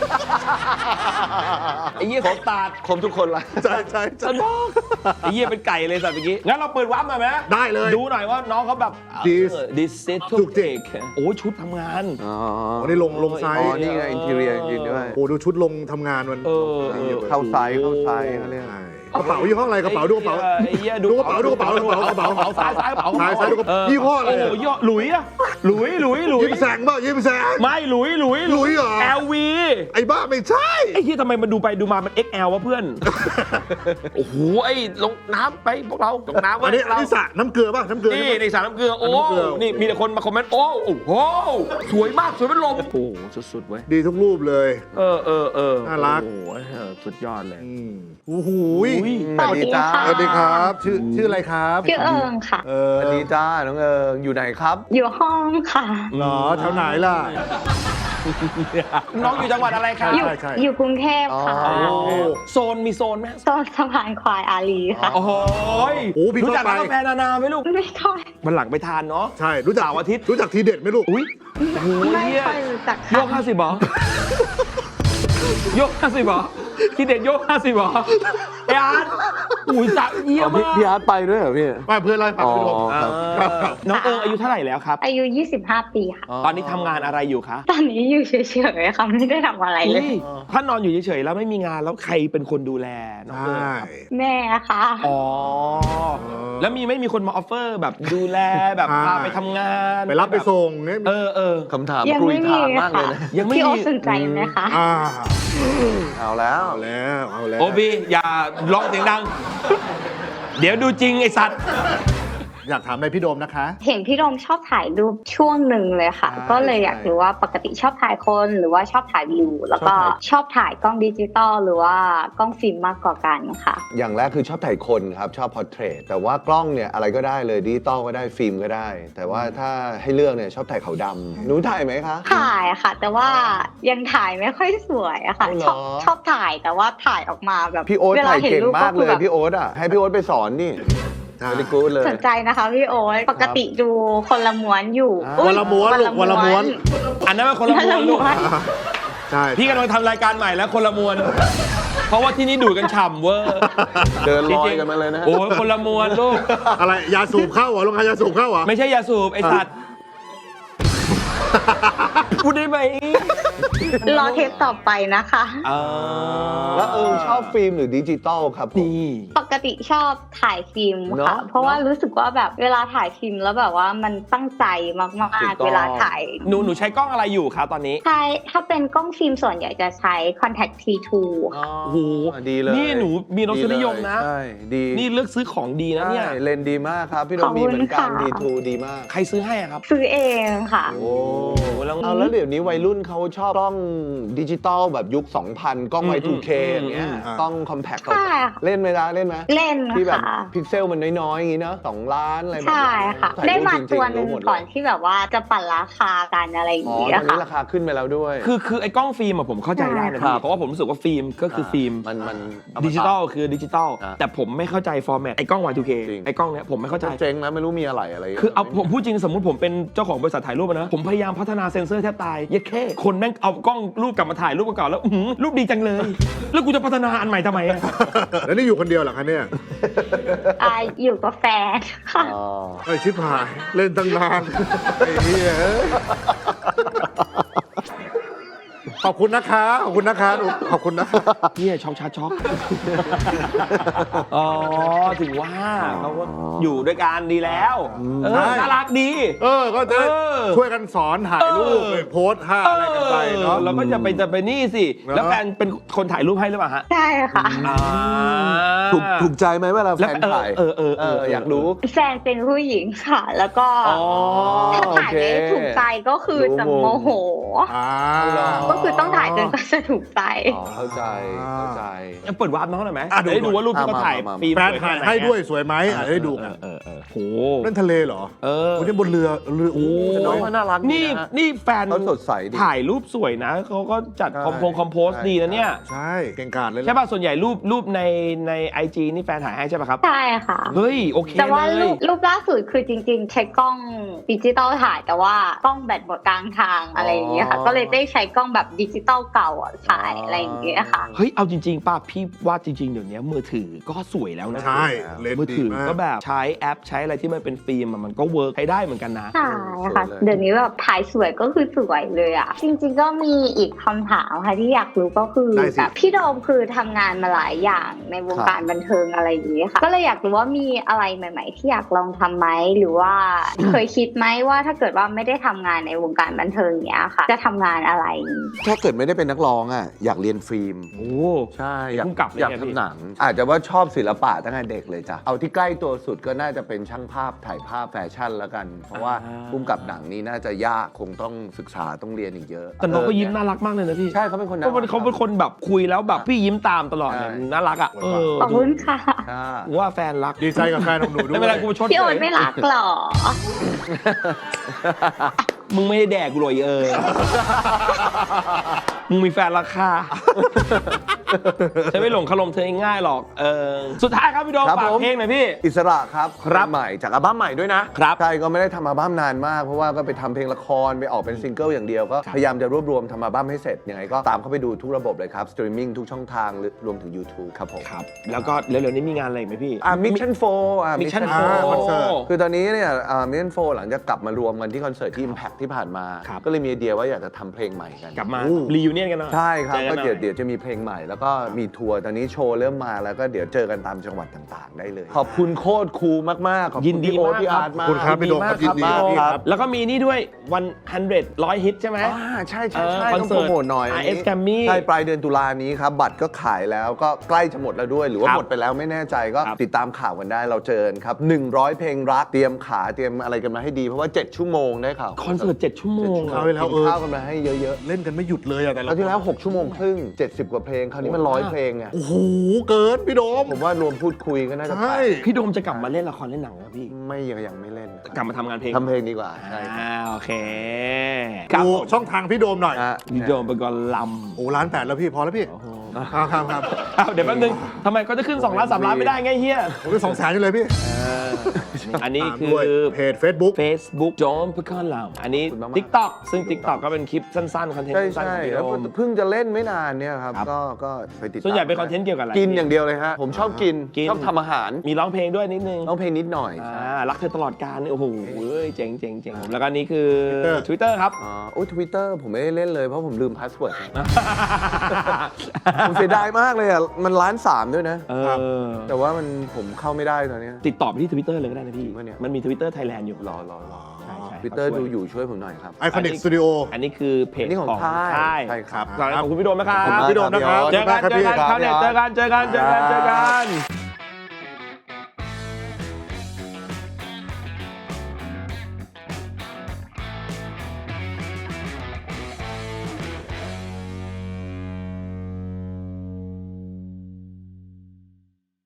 Speaker 1: ไอ้เหี้ยของตาด
Speaker 2: คมทุกคนละ
Speaker 3: ใช่ใช่
Speaker 1: ซันบอกไอ้เหี้ยเป็นไก่เลยสัตว์เมื่อกี้งั้นเราเปิดวาร์ปหน่อยไหม
Speaker 3: ได้เลย
Speaker 1: ดูหน่อยว่าน้องเขาแบบ
Speaker 3: This
Speaker 1: ดิสเซต
Speaker 3: จุกจิก
Speaker 1: โอ้ยชุดทำงาน
Speaker 2: อ๋อ
Speaker 3: วันนี้ลงลงไซ
Speaker 2: อ๋
Speaker 3: ส์
Speaker 2: อนี่ไงอินทีเรียจริงๆด้วย
Speaker 3: โอ้ดูชุดลงทำงานมัน
Speaker 1: เออเออ
Speaker 2: เข้าไซส์เข้าไซส์เขาเรียก
Speaker 3: ใช่กระเป๋ายี่ห้ออะไรกระเป๋าดูกระเป๋า
Speaker 1: ไอ้เหี้ย
Speaker 3: ดูกระเป๋าดูกระเป๋าดูกระเป๋ากระเป๋า
Speaker 1: กระเป๋าซ้ายซ้ายกระเป๋า
Speaker 3: ซ้ายซ้ายดูกระเป๋ายี่ห้ออะไร
Speaker 1: โอ้โหยี่ห้อหลุยอะหลุยหลุยหลุย
Speaker 3: ยิ้มแสงเปล่ายิ้มแสง
Speaker 1: ไม่หลุยหลุย
Speaker 3: หลุยเหรอ
Speaker 1: แอลวี
Speaker 3: ไอ้บ้าไม่ใช่
Speaker 1: ไอ้เหี้ยทำไมมันดูไปดูมามัน เอ็กซ์ แอล วะเพื่อน โอ้โหไอ้ลงน้ำไปพวกเราลงน้ำ
Speaker 3: อั
Speaker 1: วะ
Speaker 3: นนี้อัน
Speaker 1: เรา
Speaker 3: นี้สระน้ำเกลือป่ะน้ำเกลือ
Speaker 1: นี่
Speaker 3: ใช่ปะ
Speaker 1: ในสารน้ำเกลือโอ้
Speaker 3: น้ำเกลือ
Speaker 1: นี่มีแต่คนมาคอมเมนต์โอ้โอ้โหสวยมากสวยเป็นลมโอ้โหสุดๆเว้ย
Speaker 3: ดีทุกรูปเลย
Speaker 1: เออเออเออ
Speaker 3: น่ารัก
Speaker 1: โอ้โหเออสุดยอดเลย
Speaker 3: อืมโอ้โห
Speaker 1: อุ้ย
Speaker 2: สวัสดีจ้า
Speaker 3: สวัสดีครับ ชื่อชื่ออะไรครับ
Speaker 5: ชื่อเอิงค่ะ
Speaker 3: เอ
Speaker 2: ส
Speaker 3: อ
Speaker 2: วัสดีจ้าน้องเอิงอยู่ไหนครับ
Speaker 5: อยู่ห้องค่ะ
Speaker 3: เหรอแถวไหนล่ะ
Speaker 1: น้องอยู่จังหวัดอะไรครับ
Speaker 5: อยู่
Speaker 3: ใช่ใช่
Speaker 5: อยู่กรุงเทพค่ะ
Speaker 2: อ๋อ
Speaker 1: โอ้โซนมีโซนไหม
Speaker 5: โซนสะพานควายอารีค่ะ
Speaker 1: โอ้โห
Speaker 3: โอ้พี่
Speaker 1: รู้จัก
Speaker 3: เข้าไป
Speaker 1: ร้านกาแฟนานาไหมลูก
Speaker 5: ไม่ค่อย
Speaker 1: มันหลังไปทานเนาะ
Speaker 3: ใช่รู้จัก
Speaker 1: เสาร์อาทิตย์
Speaker 3: รู้จักทีเด็ดไหมลูก
Speaker 1: อุ้ยโอ้โห
Speaker 5: ไม่
Speaker 1: เหี้ย
Speaker 5: ค่อยรู้จัก
Speaker 1: โย
Speaker 5: ค่ะ
Speaker 1: กห้าสิบหรอ โยกห้าสิบหรอคิดเด็ดโยกห้าสิบหรอไอ้อาร์ตอุ้ยสักเยี่ย
Speaker 2: อ๋อ
Speaker 1: ม
Speaker 2: พี่
Speaker 1: มาก
Speaker 2: พี่อาร์ตไปด้วยเหรอพี่
Speaker 3: มาเพื่อนไล่าให้ฟัง
Speaker 2: อ๋อ
Speaker 3: พี่โดม
Speaker 2: ครับ
Speaker 3: ครับ
Speaker 1: น้องเอิงอายุเท่าไหร่แล้วครับ
Speaker 5: อายุ ยี่สิบห้า ปีค่ะ
Speaker 1: ตอนนี้ทำงานอะไรอยู่คะ
Speaker 5: ตอนนี้อยู่เฉยๆค่ะไม่ได้ทำอะไรเลย
Speaker 1: อุ๊ยถ้านอนอยู่เฉยๆแล้วไม่มีงานแล้วใครเป็นคนดูแลน้อง
Speaker 3: ใช่
Speaker 1: เอิงครับ
Speaker 5: แม่ค่ะ
Speaker 1: อ๋อ แล้วมีไม่มีคนมาออฟเฟอร์แบบดูแลแบบ
Speaker 3: อ่า
Speaker 1: พาไปทำงาน
Speaker 3: ไปรับไปส่งเนี่ย
Speaker 1: เออเออ
Speaker 2: คำถาม
Speaker 5: ยัง
Speaker 2: กรุย
Speaker 5: ไม่มี
Speaker 2: ทางมากเลย
Speaker 5: ค่ะ
Speaker 2: นะ
Speaker 1: ยังไม่
Speaker 5: พี่โอ
Speaker 1: มี
Speaker 5: ตสนใจไหมคะ
Speaker 3: อ่า
Speaker 2: เอาแล้ว
Speaker 3: เอาแล้วเอาแล้ว
Speaker 1: โอบีอย่าร้องเสียงดัง เดี๋ยวดูจริงไอสัตว์
Speaker 3: อยากถามอะไรพี่โดมนะคะ
Speaker 5: เห็นพี่โดมชอบถ่ายรูปช่วงหนึ่งเลยค่ะ
Speaker 3: ใช่
Speaker 5: ก็เลยอยากรู้ว่าปกติชอบถ่ายคนหรือว่าชอบถ่ายวิว แล้วก็ชอบถ่ายกล้องดิจิตอลหรือว่ากล้องฟิล์มมากกว่ากันค่ะ
Speaker 2: อย่างแรกคือชอบถ่ายคนครับ ชอบพอร์เทรตแต่ว่ากล้องเนี่ยอะไรก็ได้เลยดิจิตอลก็ได้ฟิล์มก็ได้ แต่ว่าถ้าให้เลือกเนี่ยชอบถ่ายขาวดำหนูถ่ายไหมคะ
Speaker 5: ถ่ายค่ะ แต่ว่ายังถ่ายไม่ค่อยสวยอะค่ะ
Speaker 2: เอาเหรอ
Speaker 5: ชอบชอบถ่ายแต่ว่าถ่ายออกมาแบบ
Speaker 2: พี่โอ๊ต
Speaker 5: วล
Speaker 2: ถ่าย
Speaker 5: ห็น
Speaker 2: เก่ง
Speaker 5: รูป
Speaker 2: มากเลย
Speaker 5: แบบ
Speaker 2: พี่โอ๊ตอ่ะให้พี่โอ๊ตไปสอนนี่
Speaker 3: ใช่
Speaker 2: ไม่ได้กู๊ดเลย
Speaker 5: สนใจนะคะพี่โอ๊ตปกติดูคนละม้วนอยู่
Speaker 2: อ่า
Speaker 5: อุ๊ย
Speaker 3: วันละม้วนลูกวันละม้วน
Speaker 1: อันนั้นเป็นคนละมวลลูก
Speaker 3: ใช่
Speaker 1: พี่กำลังทำรายการใหม่แล้วคนละมวล เพราะว่าที่นี่ดูดกันฉ่ำเวอร์
Speaker 2: เดินลอย
Speaker 1: จริงๆ
Speaker 2: กันมาเลยนะ
Speaker 1: โอ้ยคนละมวลลูก
Speaker 3: อะไรยาสูบเข้าเหรอลงยาสูบเข้าเหรอ
Speaker 1: ไม่ใช่ยาสูบไอสัตว์พูดได้ไหม
Speaker 5: รอเทปต่อไปนะคะ
Speaker 1: อ่า
Speaker 2: แล้วเออชอบฟิล์มหรือดิจิตอลครับผม
Speaker 1: นี่
Speaker 5: ปกติชอบถ่ายฟิล์ม
Speaker 2: เน
Speaker 5: ค่ะ
Speaker 2: อะ
Speaker 5: เพราะว่ารู้สึกว่าแบบเวลาถ่ายฟิล์มแล้วแบบว่ามันตั้งใจมาก
Speaker 2: ถูกต้
Speaker 5: ๆ
Speaker 2: อง
Speaker 5: เวลาถ่าย
Speaker 1: หนูหนูใช้กล้องอะไรอยู่คะตอนนี้
Speaker 5: ใช่ถ้าเป็นกล้องฟิล์มส่วนใหญ่จะใช้ Contact ที ทู
Speaker 2: อ๋อ
Speaker 1: โอ้โห
Speaker 2: ดีเลย
Speaker 1: นี่หนูมีรสนิยมนะ
Speaker 2: ใช่ดี
Speaker 1: นี่เลือกซื้อของดีนะเนี่ย
Speaker 2: ใช่เลนส์ดีมากครับ พี่โด
Speaker 5: ข
Speaker 2: ม
Speaker 5: อบ
Speaker 2: มี
Speaker 5: คุณ
Speaker 2: เหมือนกัน
Speaker 5: ค่ะ
Speaker 2: ดีทูดีมาก
Speaker 1: ใครซื้อให้อะครับ
Speaker 5: ซื้อเองค่ะ
Speaker 2: โอ้
Speaker 1: แล้ว
Speaker 2: เอาแล้วเดี๋ยวนี้วัยรุ่นเขาชอบกล้องดิจิตอลแบบยุค สองพัน กล้อง
Speaker 1: อืม
Speaker 2: ไว ทู เค อย่างเงี้ย
Speaker 3: อืม
Speaker 2: กล้องคอมแพค
Speaker 5: ใช่ค่ะ
Speaker 2: เล่นไหมล่ะเล่นไหม
Speaker 5: เล่น
Speaker 2: ที่แบบ
Speaker 5: ค่ะ
Speaker 2: พิกเซลมันน้อยๆ อย่างงี้เนาะสองล้านอะไรแบบ
Speaker 5: ใช่
Speaker 2: นี้
Speaker 5: ค่ะ
Speaker 2: ถ่ย
Speaker 5: ได้
Speaker 2: รูป
Speaker 5: มา
Speaker 2: จริงๆ
Speaker 5: ตัวหนึ่ง
Speaker 2: รู้หมดเลย
Speaker 5: ก่อนที่แบบว่าจะปั่นราคากันอะไรอย่าง
Speaker 2: อ๋อ
Speaker 5: เงี้
Speaker 2: ตอย นนี้
Speaker 5: ค่ะ
Speaker 2: ราคาขึ้นไปแล้วด้วย
Speaker 1: คือคือไอ้กล้องฟิล์มอะผมเข้าใจได้นะ
Speaker 2: ครั
Speaker 1: พี่
Speaker 2: บ
Speaker 1: เพราะว่าผมรู้สึกว่าฟิล์มก็คือฟิล์ม
Speaker 2: มันมันเามา
Speaker 1: ดิจิตอลคือดิจิตอล
Speaker 2: อ่า
Speaker 1: แต่ผมไม่เข้าใจฟอร์แมตไอ้กล้อง วาย ทู เค
Speaker 2: จริง
Speaker 1: ไอ้กล้องเนี้ยผมไม่เข้าใจ
Speaker 2: เจ๊งนะไม่รู้มีอะไรอะไร
Speaker 1: คือเอาผมพูดจริงสมมติผมเป็นเจ้าของบริษัทถ่ายรูปอะนะผมพยายามพัฒนาเซ็นเซอร์แทบตายเยัดแค่คนแม่งเอากล้องรูปกลับมาถ่ายรูปเก่าๆแล้วอื้อหือรูปดีจังเลย แล้วกูจะพัฒนาอันใหม่ทำไมอะ
Speaker 3: แล้วนี่อยู่คนเดียวเหรอคะเนี่ย
Speaker 5: อ่าอยู่กับแฟนค่ะ
Speaker 2: อ๋อ
Speaker 3: ไอ้ชิบหายเล่นตั้งนานไอ้เหี้ยขอบคุณนะคะขอบคุณนะคะขอบคุณนะคะ
Speaker 1: เนี่ยช็อกชาช็อก อ๋อ ถึงว่าเขาก็อยู่ด้วยกันดีแล้วเออ
Speaker 3: ใช่
Speaker 1: น่ารักดี
Speaker 3: เออ ก็จะ
Speaker 1: เออ
Speaker 3: ช่วยกันสอนถ่ายรูป
Speaker 1: เออ
Speaker 3: ไปโพสท่าอะไรกันไปเนาะ
Speaker 1: เราก็จะไปจะไปนี่สิ
Speaker 3: เนอะ
Speaker 1: แล้วแฟนเป็นคนถ่ายรูปให้หรือเปล่าฮะ
Speaker 5: ใช่ค่ะ
Speaker 1: อ่า
Speaker 2: ถูกถูกใจไหมเวลาแฟ
Speaker 1: แล้ว
Speaker 2: น
Speaker 1: เออ
Speaker 2: ถ่าย
Speaker 1: เออเออ
Speaker 2: เอออยากรู้
Speaker 5: แฟนเป็นผู้หญิงค่ะ แล้วก็
Speaker 2: อ๋อ
Speaker 5: ถ้า
Speaker 2: โอ
Speaker 5: ถ่าย
Speaker 2: เค
Speaker 5: ไม่ถูกใจก็คือจะโมโห
Speaker 3: อ่า
Speaker 5: ก็คือต้องถ่ายจนกว่าจะถูกใจ
Speaker 2: อ๋อเข้าใจเข้าใจ
Speaker 1: จะเปิดวาร์ปน้องหน่อยไหม
Speaker 3: อ่ะดู
Speaker 1: จะได้ดูว่ารูปที่เขาถ่าย
Speaker 2: มามามา
Speaker 1: ฟิล์ม
Speaker 3: แฟน
Speaker 1: สวย
Speaker 3: ถ่าย
Speaker 1: แค่ไน
Speaker 3: ให้ด้วย
Speaker 1: อะ
Speaker 3: สวยไหมอ่ะได้ดูกัน
Speaker 1: เออเออโห
Speaker 3: เล่นทะเลเหรอ
Speaker 1: เออ
Speaker 3: วันนี้บนเรือเรือโอ้
Speaker 2: แต่น้องเขาน่ารักดี
Speaker 1: นี่
Speaker 2: นะ
Speaker 1: นี่แฟน
Speaker 2: เขาสดใสดี
Speaker 1: ถ่ายรูปสวยนะเขาก็จัด
Speaker 2: ใช่
Speaker 1: คอมโพงคอมโพส
Speaker 2: ใช่
Speaker 1: ดีนะเนี่ย
Speaker 3: ใช่เก่งกาจเลย
Speaker 1: ใช่ป่ะส่วนใหญ่รูปรูปในในไอจีนี่แฟนถ่ายให้ใช่ป่ะครับ
Speaker 5: ใช่ค่ะ
Speaker 1: เฮ้ย โอเค
Speaker 5: แต่ว่า
Speaker 1: เล
Speaker 5: รู
Speaker 1: ย
Speaker 5: ปรูปล่าสุดคือจริงๆ ใช้กล้องดิจิตอลถ่ายแต่ว่ากล้องแบตหมดกลางทางอะไรอย่างเงี้ยค่ะ
Speaker 2: อ๋อ
Speaker 5: ก็เลยได้ใช้กล้องแบบดิจิตอลเก่าอ่ะถ่ายอะไรอย่างเงี้ยค่ะ
Speaker 1: เฮ้ย เอาจริงๆป่ะพี่ว่าจริง ๆ เดี๋ยวนี้มือถือก็สวยแล้วนะ
Speaker 3: ใช่เลน
Speaker 1: มือ
Speaker 3: ส์ดี
Speaker 1: ถือ
Speaker 3: มาก
Speaker 1: ก็แบบใช้แอปใช้อะไรที่มันเป็นฟิล์มอะมันก็เวิร์กใช้ได้เหมือนกันนะ
Speaker 5: ใช่ค่ะ เดี๋ยวนี้แบบถ่ายสวยก็คือสวยเลยอ่ะ จริงๆก็มีอีกคำถามค่ะที่อยากรู้ก็คือ
Speaker 3: ได้สิ
Speaker 5: แบบพี่โดมคือทำงานมาหลายอย่างในวงการบันเทิงอะไรอย่างเงี้ยค่ะ ก็เลยอยากรู้ว่ามีอะไรใหม่ ๆ ที่อยากลองทำไหมหรือว่า เคยคิดไหมว่าถ้าเกิดว่าไม่ได้ทำงานในวงการบันเทิงเนี้ยค่ะ จะทำงานอะไร
Speaker 2: ถ้าเกิดไม่ได้เป็นนักร้องอ่ะอยากเรียนฟิล์ม
Speaker 1: โอ้
Speaker 2: ใช่อยาก
Speaker 1: พุ่งกลับเลย
Speaker 2: อยาก
Speaker 1: ไงพี่
Speaker 2: ทำหนัง อาจจะว่าชอบศิลปะตั้งแต่เด็กเลยจ้ะเอาที่ใกล้ตัวสุดก็น่าจะเป็นช่างภาพถ่ายภาพแฟชั่นแล้วกัน เพราะว่าพุ่มกับหนังนี้น่าจะยากคงต้องศึกษาต้องเรียนอีกเยอะ
Speaker 1: แต่น้องก็ยิ้มน่ารักมากเลยนะพี่
Speaker 2: ใช่เขาเป็นคนน่า
Speaker 1: เขา
Speaker 2: รั
Speaker 1: เป็น
Speaker 2: ก
Speaker 1: เขาเป็นคนแบบคุยแล้วแบบพี่ยิ้มตามตลอดเลย
Speaker 2: ใช่
Speaker 1: น่ารักอ่ะเออ
Speaker 5: ขอบคุณค่ะ
Speaker 2: ใช่
Speaker 1: กูว่าแฟนรัก
Speaker 3: ดีใจกับแฟนของหนูด้วย
Speaker 1: ไม่เป็นไรกูชด
Speaker 5: พี่โอนไม่รักหรอ
Speaker 1: มึงไม่ได้แดกกูเลยเออ มึงมีแฟนราคา ฉันไม่หลงคารมเธอง่ายๆหรอก เออ สุดท้ายครับพี่โดม
Speaker 2: ครับ
Speaker 1: ฝาก
Speaker 2: ผม
Speaker 1: เพลงหน่อยพี่
Speaker 2: อิสระครับ
Speaker 1: ครับ
Speaker 2: ใหม่จากอัลบั้มใหม่ด้วยนะครับ ใช่ก็ไม่ได้ทำอัลบั้มนานมาก เพราะว่าก็ไปทำเพลงละครไปออกเป็นซิงเกิลอย่างเดียวก็
Speaker 1: ครับ
Speaker 2: พยายามจะรวบรวมทำอัลบั้มให้เสร็จยังไงก็ตามเข้าไปดูทุกระบบเลยครับสตรีมมิ่งทุกช่องทางหรือรวมถึง YouTube ครับผม
Speaker 1: ครับ แล้วก็เร็วๆนี้มีงานอะไรอีกไหมพี่
Speaker 2: อ่ามิชชั่นโฟอ่า
Speaker 1: มิชชั่น
Speaker 3: อ่าคอนเสิร์ต
Speaker 2: คือตอนนี้เนี่ยอ่ามิชชั่นโฟหลังจากกลับมารวมกันที่คอนเสิร์ตที่ Impact ที่ผ่านมา
Speaker 1: ครับ
Speaker 2: ก็เลยมีไอเดียว่าอยากจะทำเพลงใหม่กัน
Speaker 1: กลับมา
Speaker 2: อู้
Speaker 1: รีวิเนียนกันหน่อย
Speaker 2: ใช่ครับ
Speaker 1: จอ
Speaker 2: ก็
Speaker 1: นหน่อ
Speaker 2: เดี๋ยวเดี๋ยวจะมีเพลงใหม่แล้วก็มีทัวร์ตอนนี้โชว์เริ่มมาแล้วก็เดี๋ยวเจอกันตามจังหวัดต่างๆ ได้เลย ขอบคุณโคตรคูลมากๆ ขอบ
Speaker 1: ยิ
Speaker 2: คุ
Speaker 1: น
Speaker 2: ณ
Speaker 1: ดี
Speaker 2: พี่โอ๊ต
Speaker 1: มาก
Speaker 2: พี่
Speaker 1: ครับ
Speaker 2: อาร์ตมาก
Speaker 3: ขอบคุณครับพี่โดมครับยินดี
Speaker 1: มาก
Speaker 3: พี่
Speaker 1: ค
Speaker 3: ค
Speaker 1: รั
Speaker 3: รับ บ
Speaker 1: แล้วก็มีนี่ด้วยวันฮันเดรดร้อยฮิตใช่ไหม
Speaker 2: อ่าใช่ใช่
Speaker 1: เออ
Speaker 2: ใช่
Speaker 1: คอน
Speaker 2: ต้อง
Speaker 1: เสิ
Speaker 2: โป
Speaker 1: ร์
Speaker 2: ร
Speaker 1: ต
Speaker 2: โมทหน่อย
Speaker 1: อาร์ เอส Grammy
Speaker 2: ใช่ปลายเดือนตุลานี้ครับ บัตรก็ขายแล้วก็ใกล้จะหมดแล้วด้วย หรือว่า
Speaker 1: ครับ
Speaker 2: หมดไปแล้วไม่แน่ใจก็
Speaker 1: ครับ
Speaker 2: ติดตามข่าวกันได้เราเจอกันครับหนึ่งร้อยเพลงรักเตรียมขาเตรียมอะไรกันมาให้ดีเพราะว่าเจ็ดชั่วโมงได้ข่าว
Speaker 1: คอนเสิร์ตเจ็ดชั่วโมง
Speaker 3: เอาไปแล้ว
Speaker 2: กินข้าวกันมาให้เยอะ
Speaker 3: เล่นกันไม่หยุดเลยอะแต่
Speaker 2: ๆ
Speaker 3: ละ
Speaker 2: แล้วที่แล้วหกชั่วโมงครึ่งเจ็ดสิบกว่าเพลงคราวนี้มันร้อยเพลงไง
Speaker 3: โอ้โหเกินพี่โดม
Speaker 2: ผมว่ารวมพูดคุยก็น่าจะ
Speaker 3: ใช่
Speaker 1: พี่โดมจะกลับมาเล่นละครเล่นหนังแล้วพี่
Speaker 2: ไม่ยังยังไม่เล่น
Speaker 1: กลับมาทำงานเพลง
Speaker 2: ทำเพลงดีกว่าใช่ครับ
Speaker 1: อ่าโอเคครับ
Speaker 3: ดู
Speaker 1: ผม
Speaker 3: ช่องทางพี่โดมหน่อย
Speaker 2: อ่ะ
Speaker 1: พี่โดมเป็นกอล
Speaker 3: โอ้ล้านแปดแล้วพี่พอแล้วพี่
Speaker 1: ำโอ้โห
Speaker 3: ครับครับครับ
Speaker 1: อ้าวเดี๋ยวแป๊บนึงทำไมเขาจะขึ้นสองล้านสามล้านไม่ได้ไงเฮีย
Speaker 3: ผมเป็นสองแสนอยู่เลยพี่
Speaker 1: อันนี้
Speaker 3: ตาม
Speaker 1: คื
Speaker 3: ด้วย
Speaker 1: อ
Speaker 3: เพจ Facebook
Speaker 1: Facebook โจมเพื่อก้อนลำอันนี้
Speaker 2: ขอบคุณมากๆ
Speaker 1: TikTok ซึ่ง TikTok ก็เป็นคลิปสั้นๆ คอนเทนต์
Speaker 2: ใช่
Speaker 1: สั้นๆ
Speaker 2: ใช่
Speaker 1: ของพี่
Speaker 2: แล้ว
Speaker 1: โดม
Speaker 2: เพิ่งจะเล่นไม่นานเนี่ยครับ
Speaker 1: ครับ
Speaker 2: ก็ก็ไปติดตาม
Speaker 1: ส่วนใหญ่เป็นคอนเทนต์เกี่ยวกับอะไร
Speaker 2: กินอย่างเดียวเลยฮะ ผมชอบกิน
Speaker 1: กิน
Speaker 2: ชอบทำอาหาร
Speaker 1: มีร้องเพลงด้วยนิดนึง
Speaker 2: ร้องเพลงนิดหน่อย
Speaker 1: อ่ารักเธอตลอดกาลนี่โอ้โหเว้ยเจ๋งเจ๋งเจ๋งแล้วก็นี่คือ
Speaker 3: Twitter
Speaker 1: Twitter ครับ
Speaker 2: อ๋อโอ้ยทวิตเตอร์ผมไม่ได้เล่นเลยเพราะผมลืมพาสเวิร์ด ผมเสียดายมากเลยอ่ะ มันล้านสามด้วยนะ
Speaker 1: เออ
Speaker 2: แต่ว่ามันผมเข้าไม่ได้ตอนเนี้ย
Speaker 1: ติดต่อไปที่ Twitter เลยก็ได้นะพี่
Speaker 2: จริงปะเนี่ย
Speaker 1: มันมี Twitter Thailand อยู่
Speaker 2: รอรอรอ
Speaker 1: ใช่ใช่
Speaker 2: ทวิตเตอร์
Speaker 1: เขาช่
Speaker 2: ดู
Speaker 1: วย
Speaker 2: อยู่ช่วยผมหน่อยครับ
Speaker 3: ไอคอนิกสตูดิโอ
Speaker 1: อันนี้คือเพจ
Speaker 2: อันนี้ของ
Speaker 1: ของ
Speaker 2: ค่าย
Speaker 1: ค่าย
Speaker 2: ใช่ครับ
Speaker 1: ขอบคุณพี่โดมนะครับ
Speaker 2: ขอบคุณมาก
Speaker 3: พี่โดมนะครับ
Speaker 1: เจอกัน
Speaker 3: ขอบ
Speaker 1: เจ
Speaker 3: คุ
Speaker 1: อ
Speaker 3: ณ
Speaker 1: กัน
Speaker 3: มากครับ
Speaker 1: คราวเนี้ย
Speaker 2: พี่
Speaker 1: เจอกันเจอกันเจอกันเจอกัน